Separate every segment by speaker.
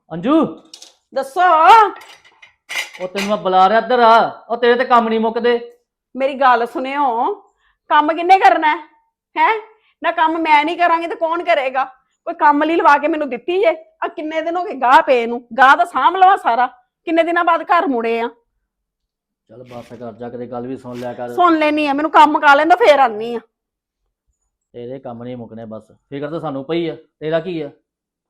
Speaker 1: ਅੰਜੂ
Speaker 2: ਦੱਸੋ।
Speaker 1: ਉਹ ਤੈਨੂੰ ਮੈਂ ਬੁਲਾ ਰਿਹਾ ਇੱਧਰ ਆ। ਉਹ ਤੇਰੇ ਤੇ ਕੰਮ ਨਹੀਂ ਮੁੱਕਦੇ।
Speaker 2: ਮੇਰੀ ਗੱਲ ਸੁਣਿਓ, ਕੰਮ ਕਿੰਨੇ ਕਰਨਾ ਹੈ? ਨਾ ਕੰਮ ਮੈਂ ਨਹੀਂ ਕਰਾਂਗੀ ਤੇ ਕੌਣ ਕਰੇਗਾ? ਕੋਈ ਕੰਮ ਲਈ ਲਵਾ ਕੇ ਮੈਨੂੰ ਦਿੱਤੀ ਜੇ। ਆ ਕਿੰਨੇ ਦਿਨ ਹੋ ਗਏ ਗਾਹ ਪਏ ਨੂੰ, ਗਾਹ ਤਾਂ ਸਾਂਭ ਲਵਾ ਸਾਰਾ। ਕਿੰਨੇ ਦਿਨਾਂ ਬਾਅਦ ਘਰ ਮੁੜੇ ਆ।
Speaker 1: ਚੱਲ ਬਸ ਕਰ ਜਾ, ਕਿਤੇ ਗੱਲ ਵੀ ਸੁਣ ਲਿਆ ਕਰ।
Speaker 2: ਸੁਣ ਲੈਣੀ ਆ, ਮੈਨੂੰ ਕੰਮ ਮੁਕਾ ਲੈਂਦਾ ਫੇਰ ਆਨੀ ਆ।
Speaker 1: ਤੇਰੇ ਕੰਮ ਨਹੀਂ ਮੁੱਕਣੇ, ਬਸ ਫਿਕਰ ਤਾਂ ਸਾਨੂੰ ਪਈ ਆ। ਤੇਰਾ ਕੀ ਆ?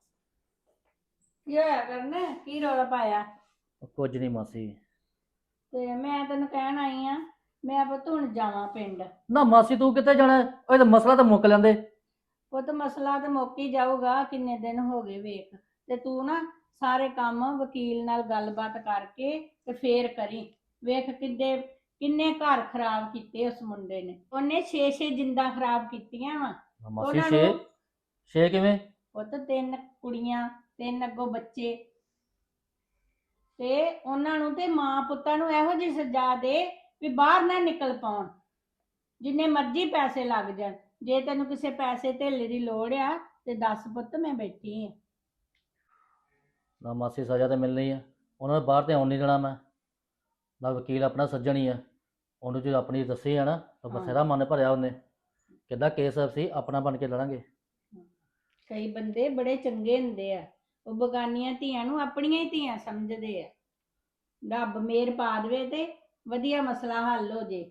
Speaker 3: ਕੀ ਹੋਇਆ ਕਰਨਾ? ਕੀ ਰੌਲਾ ਪਾਇਆ?
Speaker 1: ਉਹ ਕੁਝ ਨਹੀਂ ਮਾਸੀ।
Speaker 3: ਤੇ ਮੈਂ ਤੈਨੂੰ ਕਹਿਣ ਆਈ ਆ, ਮੈਂ ਪੁੱਤ ਹੁਣ ਜਾਵਾਂ ਪਿੰਡ।
Speaker 1: ਨਾ ਮਾਸੀ ਤੂੰ ਕਿੱਥੇ ਜਾਣਾ? ਉਹ ਤਾਂ ਮਸਲਾ ਤਾਂ ਮੁੱਕ ਲੈਂਦੇ।
Speaker 3: ਪੁੱਤ ਮਸਲਾ ਤੇ ਮੁੱਕ ਹੀ ਜਾਊਗਾ, ਕਿੰਨੇ ਦਿਨ ਹੋ ਗਏ ਵੇਖ। ਤੇ ਤੂੰ ਨਾ ਸਾਰੇ ਕੰਮ ਵਕੀਲ ਨਾਲ ਗੱਲਬਾਤ ਕਰਕੇ ਤੇ ਫੇਰ ਕਰੀ। ਵੇਖ ਕਿੰਨੇ ਘਰ ਖਰਾਬ ਕੀਤੇ ਉਸ ਮੁੰਡੇ ਨੇ। ਉਹਨੇ 6 ਜਿੰਦਾਂ ਖਰਾਬ ਕੀਤੀਆਂ ਵਾ।
Speaker 1: ਮਾਸੀ
Speaker 3: ਉਹਨਾਂ
Speaker 1: ਛੇ
Speaker 3: ਨੂੰ-
Speaker 1: ਛੇ ਕਿਵੇਂ?
Speaker 3: ਪੁੱਤ 3 ਕੁੜੀਆਂ, 3 ਅੱਗੋਂ ਬੱਚੇ, ਤੇ ਉਹਨਾਂ ਨੂੰ ਤੇ ਮਾਂ ਪੁੱਤਾਂ ਨੂੰ ਇਹੋ ਜਿਹੀ ਸਜ਼ਾ ਦੇ ਵੀ ਬਾਹਰ ਨਾ ਨਿਕਲ ਪਾਉਣ। ਜਿੰਨੇ ਮਰਜ਼ੀ ਪੈਸੇ ਲੱਗ ਜਾਣ। ਜੇ ਤੈਨੂੰ ਕਿਸੇ ਪੈਸੇ ਧੇਲੇ ਦੀ ਲੋੜ ਆ ਤੇ ਦੱਸ ਪੁੱਤ, ਮੈਂ ਬੈਠੀ ਆ।
Speaker 1: ਨਾ ਮਾਸੀ ਸਜ਼ਾ ਤਾਂ ਮਿਲਣੀ ਆ। ਉਹਨਾਂ ਨੂੰ ਬਾਹਰ ਤੇ ਆਉਣ ਨਹੀਂ ਦੇਣਾ ਮੈਂ। ਨਾ ਵਕੀਲ ਆਪਣਾ ਸੱਜਣ ਹੀ ਆ। ਉਹਨੂੰ ਜੇ ਆਪਣੀ ਦੱਸੀ ਆ ਨਾ ਤਾਂ ਬਥੇਰਾ ਮਨ ਭਰਿਆ ਉਹਨੇ। ਕਹਿੰਦਾ ਕੇਸ ਅਸੀਂ ਆਪਣਾ ਬਣ ਕੇ ਲੜਾਂਗੇ।
Speaker 3: ਕਈ ਬੰਦੇ ਬੜੇ ਚੰਗੇ ਹੁੰਦੇ ਆ, ਉਹ ਬਗਾਨੀਆਂ ਧੀਆਂ ਨੂੰ ਆਪਣੀਆਂ ਹੀ ਧੀਆਂ ਸਮਝਦੇ ਆ। ਰੱਬ ਮਿਹਰ ਪਾ ਦੇਵੇ ਤੇ ਵਧੀਆ ਮਸਲਾ ਹੱਲ ਹੋ ਜੇ।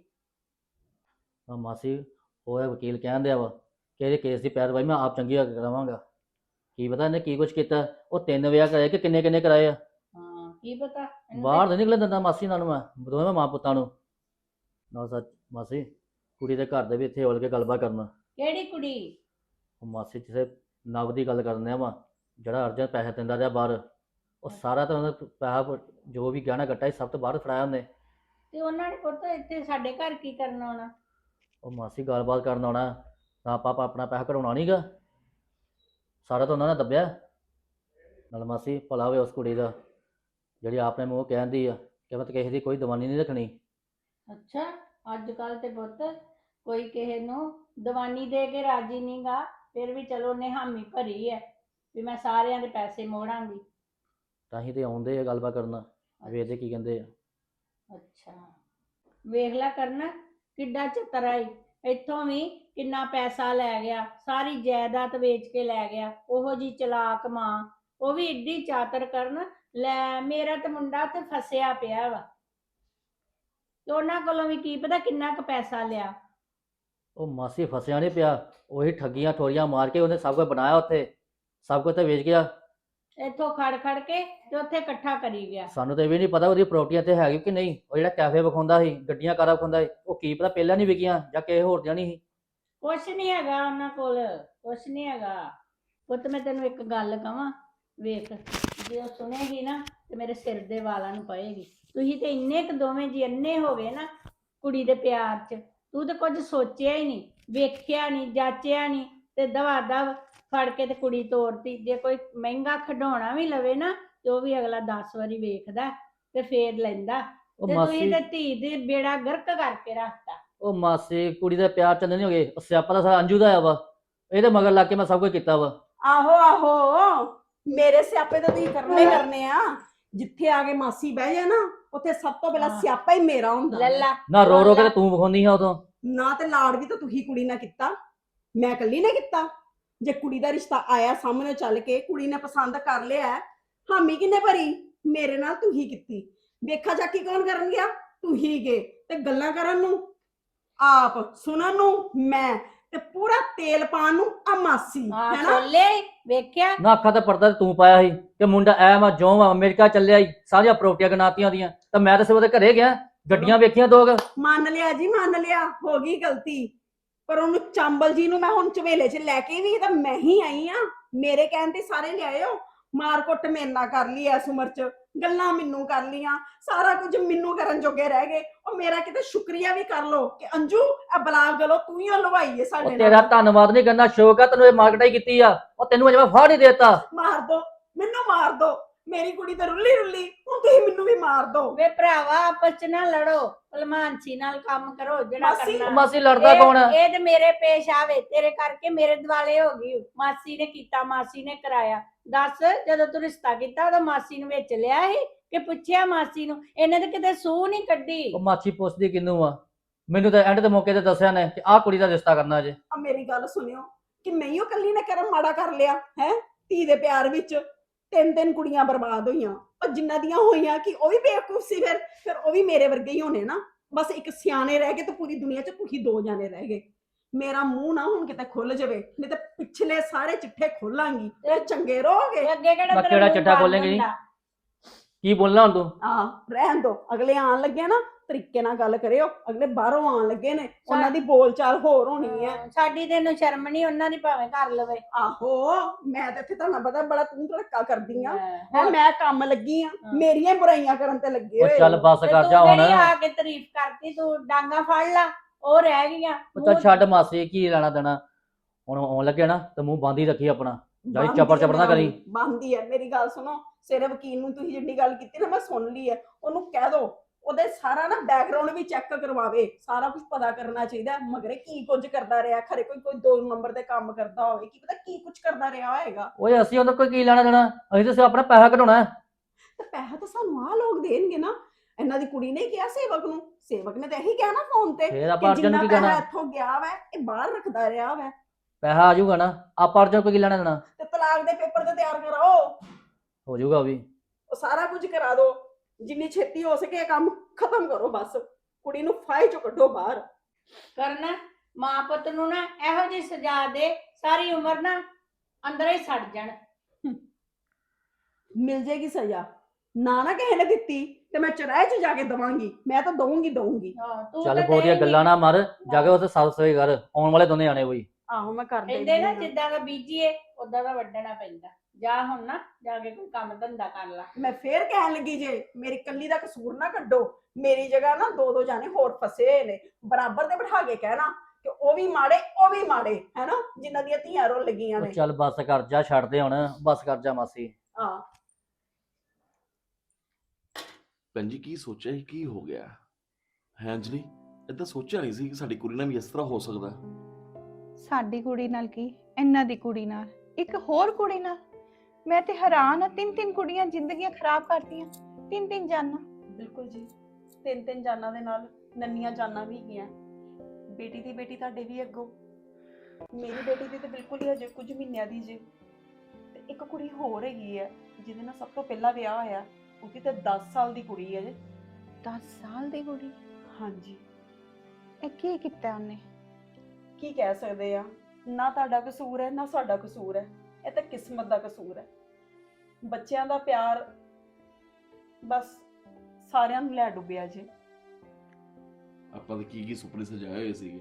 Speaker 1: ਆ ਮਾਸੀ ਉਹ ਇਹ ਵਕੀਲ ਕਹਿਣ ਦਿਆ ਵਾ ਕਿ ਇਹਦੇ ਕੇਸ ਦੀ ਪੈਰਵਾਈ ਮੈਂ ਆਪ ਚੰਗੀ ਕਰਾਵਾਂਗਾ। ਕੀ ਪਤਾ ਇਹਨੇ ਕੀ ਕੁਝ ਕੀਤਾ। ਉਹ 3 ਵਿਆਹ ਕਰਾਏ ਕਿ ਕਿੰਨੇ ਕਿੰਨੇ ਕਰਾਏ ਆ।
Speaker 3: ਹਾਂ ਕੀ ਪਤਾ ਇਹਨੂੰ
Speaker 1: ਬਾਹਰ ਨਹੀਂ ਨਿਕਲਣ ਦਿੰਦਾ ਮਾਸੀ ਨਾਲ ਮੈਂ ਦੋਵੇਂ ਮਾਂ ਪੁੱਤਾਂ ਨੂੰ। ਨਾ ਸੱਚ ਮਾਸੀ, ਕੁੜੀ ਦੇ ਘਰ ਦੇ ਵੀ ਇੱਥੇ ਔਲ ਕੇ ਗੱਲਬਾਤ ਕਰਨਾ।
Speaker 3: ਕਿਹੜੀ ਕੁੜੀ?
Speaker 1: ਉਹ ਮਾਸੀ ਕਿਸੇ ਨਵ ਦੀ ਗੱਲ ਕਰਨੇ ਆ ਵਾ, ਜਿਹੜਾ ਅਰਜਨ ਪੈਸੇ ਦਿੰਦਾ ਰਿਹਾ ਬਾਹਰ। ਉਹ ਸਾਰਾ ਤਾਂ ਉਹਦਾ ਪੈਸਾ ਜੋ ਵੀ ਗਹਿਣਾ ਗੱਟਾ ਸੀ ਸਭ ਤੋਂ ਬਾਹਰ ਫੜਾਇਆ ਉਹਨੇ।
Speaker 3: ਤੇ ਉਹਨਾਂ ਨੇ ਪੁੱਤ ਇੱਥੇ ਸਾਡੇ ਘਰ ਕੀ ਕਰਨ ਆਉਣਾ?
Speaker 1: ਉਹ ਮਾਸੀ ਗੱਲਬਾਤ ਕਰਨ ਆਉਣਾ ਤਾਂ ਆਪਾਂ ਆਪਣਾ ਪੈਸਾ ਕਢਾਉਣਾ ਨਹੀਂਗਾ। ਸਾਰਾ ਤਾਂ ਉਹਨਾਂ ਨੇ ਦੱਬਿਆ। ਨਾਲ ਮਾਸੀ ਭਲਾ ਹੋਵੇ ਉਸ ਕੁੜੀ ਦਾ ਜਿਹੜੀ ਆਪਣੇ ਮੂੰਹ ਕਹਿੰਦੀ ਆ ਕਿ ਮੈਂ ਤਾਂ ਕਿਸੇ ਦੀ ਕੋਈ ਦੀਵਾਨੀ ਨਹੀਂ ਰੱਖਣੀ।
Speaker 3: ਅੱਛਾ, ਅੱਜ ਕੱਲ ਤੇ ਪੁੱਤ ਕੋਈ ਕਿਸੇ ਨੂੰ ਦੀਵਾਨੀ ਦੇ ਕੇ ਰਾਜੀ ਨਹੀਂਗਾ। ਫਿਰ ਵੀ ਚਲੋ ਉਹਨੇ ਹਾਮੀ ਭਰੀ ਹੈ ਵੀ ਮੈਂ ਸਾਰਿਆਂ ਦੇ ਪੈਸੇ ਮੋੜਾਂਗੀ।
Speaker 1: ਤਾਂ ਹੀ ਤੇ ਆਉਂਦੇ ਆ ਗੱਲਬਾਤ ਕਰਨਾ, ਵੇਖਦੇ ਕੀ ਕਹਿੰਦੇ ਆ।
Speaker 3: ਅੱਛਾ, ਵੇਖ ਲੈ ਕਰਨਾ ਕਿੱਡਾ ਚਤਰਾ ਈ। ਇੱਥੋਂ ਵੀ ਕਿੰਨਾ ਪੈਸਾ ਲੈ ਗਿਆ, ਸਾਰੀ ਜਾਇਦਾਦ ਵੇਚ ਕੇ ਲੈ ਗਿਆ। ਉਹੋ ਜੀ ਚਲਾਕ ਮਾਂ, ਉਹ ਵੀ ਏਡੀ ਚਾਤਰ ਕਰਨ। ਲੈ ਮੇਰਾ ਤੇ ਮੁੰਡਾ ਤੇ ਫਸਿਆ ਪਿਆ ਵਾ, ਤੇ ਉਹਨਾਂ ਕੋਲੋਂ ਵੀ ਕੀ ਪਤਾ ਕਿੰਨਾ ਕੁ ਪੈਸਾ ਲਿਆ।
Speaker 1: ਉਹ ਮਾਸੀ ਫਸਿਆ ਨਹੀਂ ਪਿਆ, ਉਹੀ ਠੱਗੀਆਂ ਠੋਰੀਆਂ ਮਾਰ ਕੇ ਉਹਨੇ ਸਭ ਕੁਝ ਬਣਾਇਆ ਉੱਥੇ, ਸਭ ਕੁਝ ਤਾਂ ਵੇਚ ਗਿਆ।
Speaker 3: ਇੱਥੋਂ ਖੜ ਖੜ ਕੇ ਤੇ ਉੱਥੇ ਇਕੱਠਾ ਕਰੀ ਗਿਆ।
Speaker 1: ਸਾਨੂੰ ਤਾਂ ਇਹ ਵੀ ਨਹੀਂ ਪਤਾ ਉਹਦੀ ਪ੍ਰਾਪਰਟੀਆਂ ਤੇ ਹੈਗੀ ਕਿ ਨਹੀਂ। ਉਹ ਜਿਹੜਾ ਕੈਫੇ ਵਿਖਾਉਂਦਾ ਸੀ, ਗੱਡੀਆਂ ਕਾਰਾਂ ਵਿਖਾਉਂਦਾ ਸੀ, ਉਹ ਕੀ ਪਤਾ ਪਹਿਲਾਂ ਨਹੀਂ ਵਿਕੀਆਂ ਜਾਂ ਕਿਸੇ ਹੋਰ ਦੀਆਂ ਨਹੀਂ ਸੀ।
Speaker 3: ਕੁਛ ਨਹੀਂ ਹੈਗਾ ਉਹਨਾਂ ਕੋਲ, ਕੁਛ ਨਹੀਂ ਹੈਗਾ। ਪੁੱਤ ਮੈਂ ਤੈਨੂੰ ਇੱਕ ਗੱਲ ਕਵਾਂ, ਵੇਖ ਜੇ ਉਹ ਸੁਣੇਗੀ ਨਾ ਤੇ ਮੇਰੇ ਸਿਰ ਦੇ ਵਾਲਾਂ ਨੂੰ ਪਏਗੀ। ਤੁਸੀਂ ਤੇ ਇੰਨੇ ਕੁ ਦੋਵੇਂ ਜੀ ਅੰਨੇ ਹੋ ਗਏ ਨਾ ਕੁੜੀ ਦੇ ਪਿਆਰ 'ਚ। ਤੂੰ ਤਾਂ ਕੁਝ ਸੋਚਿਆ ਹੀ ਨਹੀਂ, ਵੇਖਿਆ ਨਹੀਂ, ਜਾਚਿਆ ਨਹੀਂ, ਤੇ ਦਵਾ ਦਵ ਫੜ ਕੇ ਤੇ ਕੁੜੀ ਤੋਰਤੀ। ਜੇ ਕੋਈ ਮਹਿੰਗਾ ਖਿਡੌਣਾ ਵੀ ਲਵੇ ਨਾ ਤੇ ਉਹ ਵੀ ਅਗਲਾ 10 ਵਾਰੀ ਵੇਖਦਾ ਤੇ ਫੇਰ ਲੈਂਦਾ।
Speaker 1: ਉਹ
Speaker 3: ਤੇ
Speaker 1: ਮਾਸੀ
Speaker 3: ਤੁਸੀਂ ਤੇ ਧੀ ਦੇ ਬੇੜਾ ਗਰਕ ਕਰਕੇ ਰੱਖਤਾ।
Speaker 1: ਉਹ ਮਾਸੀ ਕੁੜੀ ਦੇ ਪਿਆਰ ਚੰਦੇ ਨਹੀਂ ਹੋ ਗਏ। ਉਹ ਸਿਆਪਾ ਤਾਂ ਸਾਰਾ ਅੰਜੂ ਦਾ ਆ ਵਾ। ਇਹਦੇ ਮਗਰ ਲੱਗ ਕੇ ਮੈਂ ਸਭ ਕੁਝ ਕੀਤਾ ਵਾ।
Speaker 2: ਆਹੋ ਆਹੋ, ਮੇਰੇ ਸਿਆਪੇ ਤਾਂ ਤੁਸੀਂ ਕਰਨੇ ਆ। ਜਿੱਥੇ ਆ ਕੇ ਮਾਸੀ ਬਹਿ ਜਾ ਨਾ, ਉੱਥੇ ਸਭ ਤੋਂ ਪਹਿਲਾਂ
Speaker 3: ਹਾਂ।
Speaker 2: ਸਿਆਪਾ ਹੀ ਮੇਰਾ ਹੁੰਦਾ।
Speaker 3: ਲੱਲਾ
Speaker 1: ਨਾ ਰੋ ਰੋ ਕੇ ਤੇ ਤੂੰ ਵਿਖਾਉਂਦੀ ਆ ਉਦੋਂ।
Speaker 2: ਨਾ ਤੇ ਲਾੜ ਵੀ ਤਾਂ ਤੁਸੀਂ ਕੁੜੀ ਨਾਲ ਕੀਤਾ, ਮੈਂ ਇਕੱਲੀ ਨੇ ਕੀਤਾ। ਜੇ ਕੁੜੀ ਦਾ ਰਿਸ਼ਤਾ ਆਇਆ ਸਾਹਮਣੇ ਚੱਲ ਕੇ, ਕੁੜੀ ਨੇ ਪਸੰਦ ਕਰ ਲਿਆ, ਹਾਮੀ ਕਿੰਨੇ ਭਰੀ? ਮੇਰੇ ਨਾਲ ਤੁਸੀਂ ਕੀਤੀ। ਵੇਖਾ ਜਾਕੀ ਕੌਣ ਕਰਨ ਗਿਆ? ਤੁਸੀਂ ਗਏ। ਤੇ ਗੱਲਾਂ ਕਰਨ ਨੂੰ ਆਪ, ਸੁਣਨ ਨੂੰ ਮੈਂ, ਤੇ ਪੂਰਾ ਤੇਲ ਪਾਣ ਨੂੰ ਆ ਮਾਸੀ,
Speaker 3: ਹਾਂ
Speaker 2: ਹੈਨਾ?
Speaker 3: ਛੋਲੇ ਵੇਖਿਆ।
Speaker 1: ਨਾ ਅੱਖਾਂ ਤੇ ਪਰਦਾ ਤੂੰ ਪਾਇਆ ਸੀ ਕਿ ਮੁੰਡਾ ਐ ਮੈਂ ਜੋ ਅਮਰੀਕਾ ਚੱਲਿਆ ਸੀ, ਸਾਰੀਆਂ ਪ੍ਰਾਪਰਟੀਆਂ ਗਨਾਤੀਆਂ ਉਹਦੀਆਂ। ਤਾਂ ਮੈਂ ਤਾਂ ਸਿਰ ਉਹਦੇ ਘਰੇ ਗਿਆ, ਗੱਡੀਆਂ ਵੇਖੀਆਂ 2
Speaker 2: ਮੰਨ ਲਿਆ ਜੀ, ਮੰਨ ਲਿਆ, ਹੋ ਗਈ ਗਲਤੀ। ਪਰ ਉਹਨੂੰ ਚਾਂਬਲ ਜੀ ਨੂੰ ਮੈਂ ਹੁਣ ਝਵੇਲੇ 'ਚ ਲੈ ਕੇ ਵੀ ਤਾਂ ਮੈਂ ਹੀ ਆਈ ਆ। ਮੇਰੇ ਕਹਿਣ ਤੇ ਸਾਰੇ ਲਿਆਇਓ। ਮਾਰ ਕੁੱਟ ਮੇਰੇ ਨਾਲ ਕਰ ਲਈ ਐਸ ਉਮਰ 'ਚ, ਗੱਲਾਂ ਮੈਨੂੰ ਕਰ ਲੀਆਂ, ਸਾਰਾ ਕੁਝ ਮੈਨੂੰ ਕਰਨ ਜੋਗੇ ਰਹਿ ਗਏ। ਉਹ ਮੇਰਾ ਕਿਤੇ ਸ਼ੁਕਰੀਆ ਵੀ ਕਰ ਲੋ ਕਿ ਅੰਜੂ ਇਹ ਬਲਾਕ ਗਲੋ ਤੂੰ ਹੀ ਲਵਾਈ ਏ ਸਾਡੇ
Speaker 1: ਉਹ ਤੇਰਾ
Speaker 2: ਨਾਲ।
Speaker 1: ਧੰਨਵਾਦ ਨਹੀਂ ਕਰਨਾ, ਸ਼ੌਕ ਆ ਤੈਨੂੰ ਇਹ ਮਾਰਕਟਾਈ ਕੀਤੀ ਆ। ਉਹ ਤੈਨੂੰ ਅਜੇ ਮੈਂ ਫਾੜ ਹੀ ਦੇਤਾ।
Speaker 2: ਮਾਰ ਦੋ ਮੈਨੂੰ, ਮਾਰ ਦੋ। ਮੇਰੀ ਕੁੜੀ ਤਾਂ ਰੁੱਲੀ ਰੁੱਲੀ, ਹੁਣ ਤੁਸੀਂ ਮੈਨੂੰ ਵੀ ਮਾਰ ਦੋ।
Speaker 3: ਵੇ ਭਰਾਵਾ ਆਪਸ ਚ ਨਾ ਲੜੋ, ਭਲਮਾਨਸੀ ਨਾਲ ਕੰਮ ਕਰੋ ਜਿਹੜਾ
Speaker 2: ਮਾਸੀ-
Speaker 1: ਉਹ
Speaker 3: ਕਰਨਾ।
Speaker 1: ਮਾਸੀ ਲੜਦਾ ਕੌਣ ਆ?
Speaker 3: ਇਹ ਤੇ ਮੇਰੇ ਪੇਸ਼ ਆਵੇ, ਤੇਰੇ ਕਰਕੇ ਮੇਰੇ ਦਿਵਾਲੇ ਹੋ ਗਈ। ਮਾਸੀ ਨੇ ਕੀਤਾ, ਮਾਸੀ ਨੇ ਕਰਾਇਆ। ਦੱਸ, ਜਦੋਂ ਤੂੰ ਰਿਸ਼ਤਾ ਕੀਤਾ ਉਦੋਂ ਮਾਸੀ ਨੂੰ ਵਿੱਚ ਲਿਆ ਸੀ ਕਿ ਪੁੱਛਿਆ ਮਾਸੀ ਨੂੰ? ਇਹਨੇ ਤਾਂ ਕਿਤੇ ਸੂਹ ਨਹੀਂ ਕੱਢੀ।
Speaker 1: ਉਹ ਮਾਛੀ ਪੁੱਛਦੀ ਕਿਹਨੂੰ ਆ? ਮੈਨੂੰ ਤਾਂ ਐਂਡ ਦੇ ਮੌਕੇ ਤੇ ਦੱਸਿਆ ਨੇ ਕਿ ਆਹ ਕੁੜੀ ਦਾ ਰਿਸ਼ਤਾ ਕਰਨਾ ਜੇ।
Speaker 2: ਆ ਮੇਰੀ ਗੱਲ ਸੁਣਿਓ ਕਿ ਮੈਂ ਹੀ ਉਹ ਕੱਲੀ ਨੇ ਕਰਮ ਮਾੜਾ ਕਰ ਲਿਆ ਹੈ? ਧੀ ਦੇ ਪਿਆਰ ਵਿੱਚ ਤਿੰਨ ਤਿੰਨ ਕੁੜੀਆਂ ਬਰਬਾਦ ਹੋਈਆਂ, ਪਰ ਜਿਨ੍ਹਾਂ ਦੀਆਂ ਹੋਈਆਂ ਕਿ ਉਹ ਵੀ ਬੇਵਕੂਫ ਸੀ। ਫਿਰ ਉਹ ਵੀ ਮੇਰੇ ਵਰਗੇ ਹੀ ਹੋਣੇ ਨਾ। ਬਸ ਇੱਕ ਸਿਆਣੇ ਰਹਿ ਗਏ ਤੇ ਪੂਰੀ ਦੁਨੀਆ 'ਚ ਤੁਸੀਂ ਦੋ ਜਾਣੇ ਰਹਿ ਗਏ। ਮੇਰਾ ਮੂੰਹ ਨਾ ਹੁਣ ਕਿਤੇ ਖੁੱਲ ਜਾਵੇ, ਨਹੀਂ ਤੇ ਪਿਛਲੇ ਸਾਰੇ ਚਿੱਠੇ ਖੋਲਾਂਗੀ ਤੇ ਚੰਗੇ ਰਹੋਗੇ।
Speaker 3: ਤੇ ਅੱਗੇ ਕਿਹੜਾ
Speaker 1: ਮੈਂ
Speaker 3: ਤੇਰਾ
Speaker 1: ਕਿਹੜਾ
Speaker 3: ਮੂੰਹ
Speaker 1: ਚਿੱਠਾ
Speaker 3: ਬੰਦ
Speaker 1: ਖੋਲੇਂਗੀ?
Speaker 3: ਹੁੰਦਾ?
Speaker 1: ਕੀ ਬੋਲਣਾ ਹੁਣ ਤੂੰ?
Speaker 2: ਰਹਿਣ ਦੋ, ਅਗਲੇ ਆਣ ਲੱਗੇ ਨਾ ਤਰੀਕੇ ਨਾਲ ਗੱਲ ਕਰਿਓ। ਅਗਲੇ ਬਾਹਰੋਂ ਆਣ ਲੱਗੇ ਨੇ, ਉਹਨਾਂ ਦੀ ਬੋਲਚਾਲ ਹੋਰ ਹੋਣੀ ਹੈ।
Speaker 3: ਸਾਡੀ ਤੈਨੂੰ ਸ਼ਰਮ ਨਹੀਂ, ਉਹਨਾਂ ਦੀ ਭਾਵੇਂ ਕਰ ਲਵੇ।
Speaker 2: ਆਹੋ, ਮੈਂ ਤਾਂ ਇੱਥੇ ਤੁਹਾਨੂੰ ਪਤਾ ਬੜਾ ਤੂੰ ਧੜਕਾ ਕਰਦੀ ਆ।
Speaker 3: ਹੋਰ
Speaker 2: ਮੈਂ ਕੰਮ ਲੱਗੀ ਆ, ਮੇਰੀਆਂ ਹੀ ਬੁਰਾਈਆਂ ਕਰਨ ਤੇ ਲੱਗੇ
Speaker 1: ਉਹ
Speaker 2: ਹੋਏ
Speaker 1: ਚੱਲ
Speaker 2: ਹੋ।
Speaker 1: ਬੱਸ
Speaker 3: ਤੇ
Speaker 1: ਕਰ
Speaker 3: ਤੂੰ
Speaker 1: ਜਾ ਹੁਣ।
Speaker 3: ਕਿਹੜੀ ਆ ਕੇ ਤਾਰੀਫ ਕਰਤੀ? ਤੂੰ ਡਾਂਗਾ ਫੜ ਲਾ, ਉਹ ਰਹਿ ਗਈਆਂ।
Speaker 1: ਉਹ ਚੱਲ ਛੱਡ ਮਾਸੀ, ਕੀ ਲੈਣਾ ਦੇਣਾ। ਹੁਣ ਆਉਣ ਲੱਗੇ ਨਾ ਤੇ ਮੂੰਹ ਬੰਦ ਹੀ ਰੱਖੀ ਆਪਣਾ। ਜਾਈ ਚਪੜ ਚਪੜ ਨਾ ਕਰੀ।
Speaker 2: ਬੰਦੀ ਹੈ। ਮੇਰੀ ਗੱਲ ਸੁਣੋ, ਸਵੇਰੇ ਵਕੀਲ ਨੂੰ ਤੁਸੀਂ ਜਿੰਨੀ ਗੱਲ ਕੀਤੀ ਨਾ ਮੈਂ ਸੁਣ ਲਈ ਹੈ। ਉਹਨੂੰ ਕਹਿ ਦੋ ਉਹਦੇ ਸਾਰਾ ਨਾ ਬੈਕਗ੍ਰਾਉਂਡ ਵੀ ਚੈੱਕ ਕਰਵਾਵੇ, ਸਾਰਾ ਕੁਝ ਪਤਾ ਕਰਨਾ ਚਾਹੀਦਾ। ਮਗਰੇ ਕੀ ਕੁਝ ਕਰਦਾ ਰਿਹਾ, ਖਰੇ ਕੋਈ 2 ਨੰਬਰ ਦੇ ਕੰਮ ਕਰਦਾ ਹੋਵੇ, ਕੀ ਪਤਾ ਕੀ ਕੁਝ ਕਰਦਾ ਰਿਹਾ ਹੋਏਗਾ।
Speaker 1: ਓਏ ਅਸੀਂ ਉਹਦਾ ਕੋਈ ਕੀ ਲੈਣਾ ਦੇਣਾ? ਅਸੀਂ ਤਾਂ ਸਿਰਫ ਆਪਣਾ ਪੈਸਾ ਕਢਾਉਣਾ ਹੈ।
Speaker 2: ਤੇ ਪੈਸਾ ਤਾਂ ਸਾਨੂੰ ਆਹ ਲੋਕ ਦੇਣਗੇ ਨਾ। ਇਹਨਾਂ ਦੀ ਕੁੜੀ ਨੇ ਕਿਹਾ ਸੇਵਕ ਨੂੰ, ਸੇਵਕ ਨੇ ਤਾਂ ਇਹੀ ਕਿਹਾ ਨਾ ਫੋਨ ਤੇ
Speaker 1: ਫੇਰ ਆਪਾਂ
Speaker 2: ਕਿ
Speaker 1: ਅਰਜਨ ਨੂੰ
Speaker 2: ਜਿੰਨਾ
Speaker 1: ਕੀ
Speaker 2: ਪੈਸਾ
Speaker 1: ਕਹਿਣਾ?
Speaker 2: ਇੱਥੋਂ ਗਿਆ ਵਾ ਇਹ ਬਾਹਰ ਰੱਖਦਾ ਰਿਹਾ ਵਾ।
Speaker 1: ਪੈਸਾ ਆ ਜਾਊਗਾ ਨਾ, ਆਪਾਂ ਅਰਜਨ ਕੋਈ ਕੀ ਲੈਣਾ ਦੇਣਾ?
Speaker 2: ਤੇ ਤਲਾਕ ਦੇ ਪੇਪਰ ਤੇ ਤਿਆਰ ਕਰਾਓ,
Speaker 1: ਹੋ ਜਾਊਗਾ ਉਹ ਵੀ।
Speaker 2: ਉਹ ਸਾਰਾ ਕੁਝ ਕਰਾ ਦੋ। ਜਿੰਨੀ ਛੇਤੀ ਹੋ ਸਕੇ ਇਹ ਕੰਮ ਖਤਮ ਕਰੋ। ਬਸ ਕੁੜੀ ਨੂੰ ਫਾਇਲ ਚੋਂ ਕੱਢੋ ਬਾਹਰ।
Speaker 3: ਕਰਨਾ ਮਾਂ ਪੁੱਤ ਨੂੰ ਨਾ ਇਹੋ ਜਿਹੀ ਸਜ਼ਾ ਦੇ, ਸਾਰੀ ਉਮਰ ਨਾ ਅੰਦਰ ਹੀ ਸੜ ਜਾਣ।
Speaker 2: ਮਿਲ ਜੇਗੀ ਸਜ਼ਾ। ਨਾ ਕਿਸੇ ਨੇ ਦਿੱਤੀ ਤੇ ਮੈਂ ਚੁਰਾਹੇ 'ਚ ਜਾ ਕੇ ਦਵਾਂਗੀ। ਮੈਂ ਤਾਂ ਦਊਂਗੀ।
Speaker 1: ਚੱਲ ਬਹੁਤੀਆਂ ਗੱਲਾਂ ਨਾ ਮਾਰ, ਜਾ ਕੇ ਉੱਥੇ ਸਾਫ ਸਫਾਈ ਕਰ। ਆਉਣ ਵਾਲੇ ਦੋਨੇ ਆਣੇ ਕੋਈ।
Speaker 2: ਆਹੋ ਮੈਂ ਕਰ
Speaker 3: ਕਹਿੰਦੇ
Speaker 2: ਦੇਣੀ
Speaker 3: ਨਾ
Speaker 2: ਆ।
Speaker 3: ਜਿੱਦਾਂ ਦਾ ਬੀਜੀਏ ਉਦਾਂ ਦਾ ਵੱਢਣਾ ਪੈਂਦਾ। ਜਾ ਹੁਣ ਨਾ ਜਾ ਕੇ ਕੋਈ ਕੰਮ ਧੰਦਾ ਕਰ ਲਾ।
Speaker 2: ਮੈਂ ਫੇਰ ਕਹਿਣ ਲੱਗੀ ਜੇ ਮੇਰੀ ਕੱਲੀ ਦਾ ਕਸੂਰ ਨਾ ਕੱਢੋ। ਮੇਰੀ ਜਗ੍ਹਾ ਨਾ 2 ਜਾਣੇ ਹੋਰ ਫਸੇ ਹੋਏ ਨੇ, ਬਰਾਬਰ ਤੇ ਬਿਠਾ ਕੇ ਕਹਿਣਾ ਕਿ ਉਹ ਵੀ ਮਾੜੇ ਹੈ ਨਾ, ਜਿਨ੍ਹਾਂ ਦੀਆਂ ਧੀਆਂ ਰੁੱਲ ਗਈਆਂ
Speaker 1: ਉਹ
Speaker 2: ਨੇ।
Speaker 1: ਚੱਲ ਬੱਸ ਕਰ ਜਾ, ਛੱਡ ਦੇ ਹੁਣ, ਬੱਸ ਕਰ ਜਾ ਮਾਸੀ।
Speaker 2: ਹਾਂ
Speaker 4: ਭੈਣ ਜੀ, ਕੀ ਸੋਚਿਆ ਸੀ? ਕੀ ਹੋ ਗਿਆ ਹੈ ਅੰਜਲੀ? ਏਦਾਂ ਸੋਚਿਆ ਨਹੀਂ ਸੀ ਕਿ ਸਾਡੀ ਕੁੜੀ ਨਾਲ ਵੀ ਇਸ ਤਰ੍ਹਾਂ ਹੋ ਸਕਦਾ।
Speaker 5: ਸਾਡੀ ਕੁੜੀ ਨਾਲ ਕੀ, ਇਹਨਾਂ ਦੀ ਕੁੜੀ ਨਾਲ, ਇੱਕ ਹੋਰ ਕੁੜੀ ਨਾਲ। ਮੈਂ ਤੇ ਹੈਰਾਨ ਆ, 3 ਕੁੜੀਆਂ ਜ਼ਿੰਦਗੀਆਂ ਖਰਾਬ ਕਰਤੀਆਂ, 3 ਜਾਨਾਂ।
Speaker 2: ਬਿਲਕੁਲ ਜੀ, 3 ਜਾਨਾਂ ਦੇ ਨਾਲ ਨੰਨੀਆਂ ਜਾਨਾਂ ਵੀ ਗਈਆਂ। ਬੇਟੀ ਦੀ ਬੇਟੀ ਤੁਹਾਡੇ ਵੀ ਅੱਗੋਂ, ਮੇਰੀ ਬੇਟੀ ਦੀ ਤੇ ਬਿਲਕੁਲ ਹੀ ਹਜੇ ਕੁਝ ਮਹੀਨਿਆਂ ਦੀ ਜੇ। ਤੇ ਇੱਕ ਕੁੜੀ ਹੋਰ ਹੈਗੀ ਹੈ ਜਿਹਦੇ ਨਾਲ ਸਭ ਤੋਂ ਪਹਿਲਾਂ ਵਿਆਹ ਹੋਇਆ। ਉਹਦੀ ਤਾਂ 10 ਸਾਲ ਦੀ ਕੁੜੀ ਹੈ ਜੇ।
Speaker 5: 10 ਸਾਲ ਦੀ ਕੁੜੀ?
Speaker 2: ਹਾਂਜੀ,
Speaker 5: ਇਹ ਕੀ ਕੀਤਾ ਉਹਨੇ?
Speaker 2: ਕੀ ਕਹਿ ਸਕਦੇ ਆ। ਨਾ ਤੁਹਾਡਾ ਕਸੂਰ ਹੈ ਨਾ ਸਾਡਾ ਕਸੂਰ ਹੈ, ਇਹ ਤਾਂ ਕਿਸਮਤ ਦਾ ਕਸੂਰ ਹੈ। ਬੱਚਿਆਂ ਦਾ ਪਿਆਰ ਬਸ ਸਾਰਿਆਂ ਨੂੰ ਲੈ ਡੁੱਬਿਆ ਜੇ।
Speaker 4: ਆਪਾਂ ਤਾਂ ਕੀ ਸੁਪਨੇ ਸਜਾਏ ਹੋਏ ਸੀਗੇ।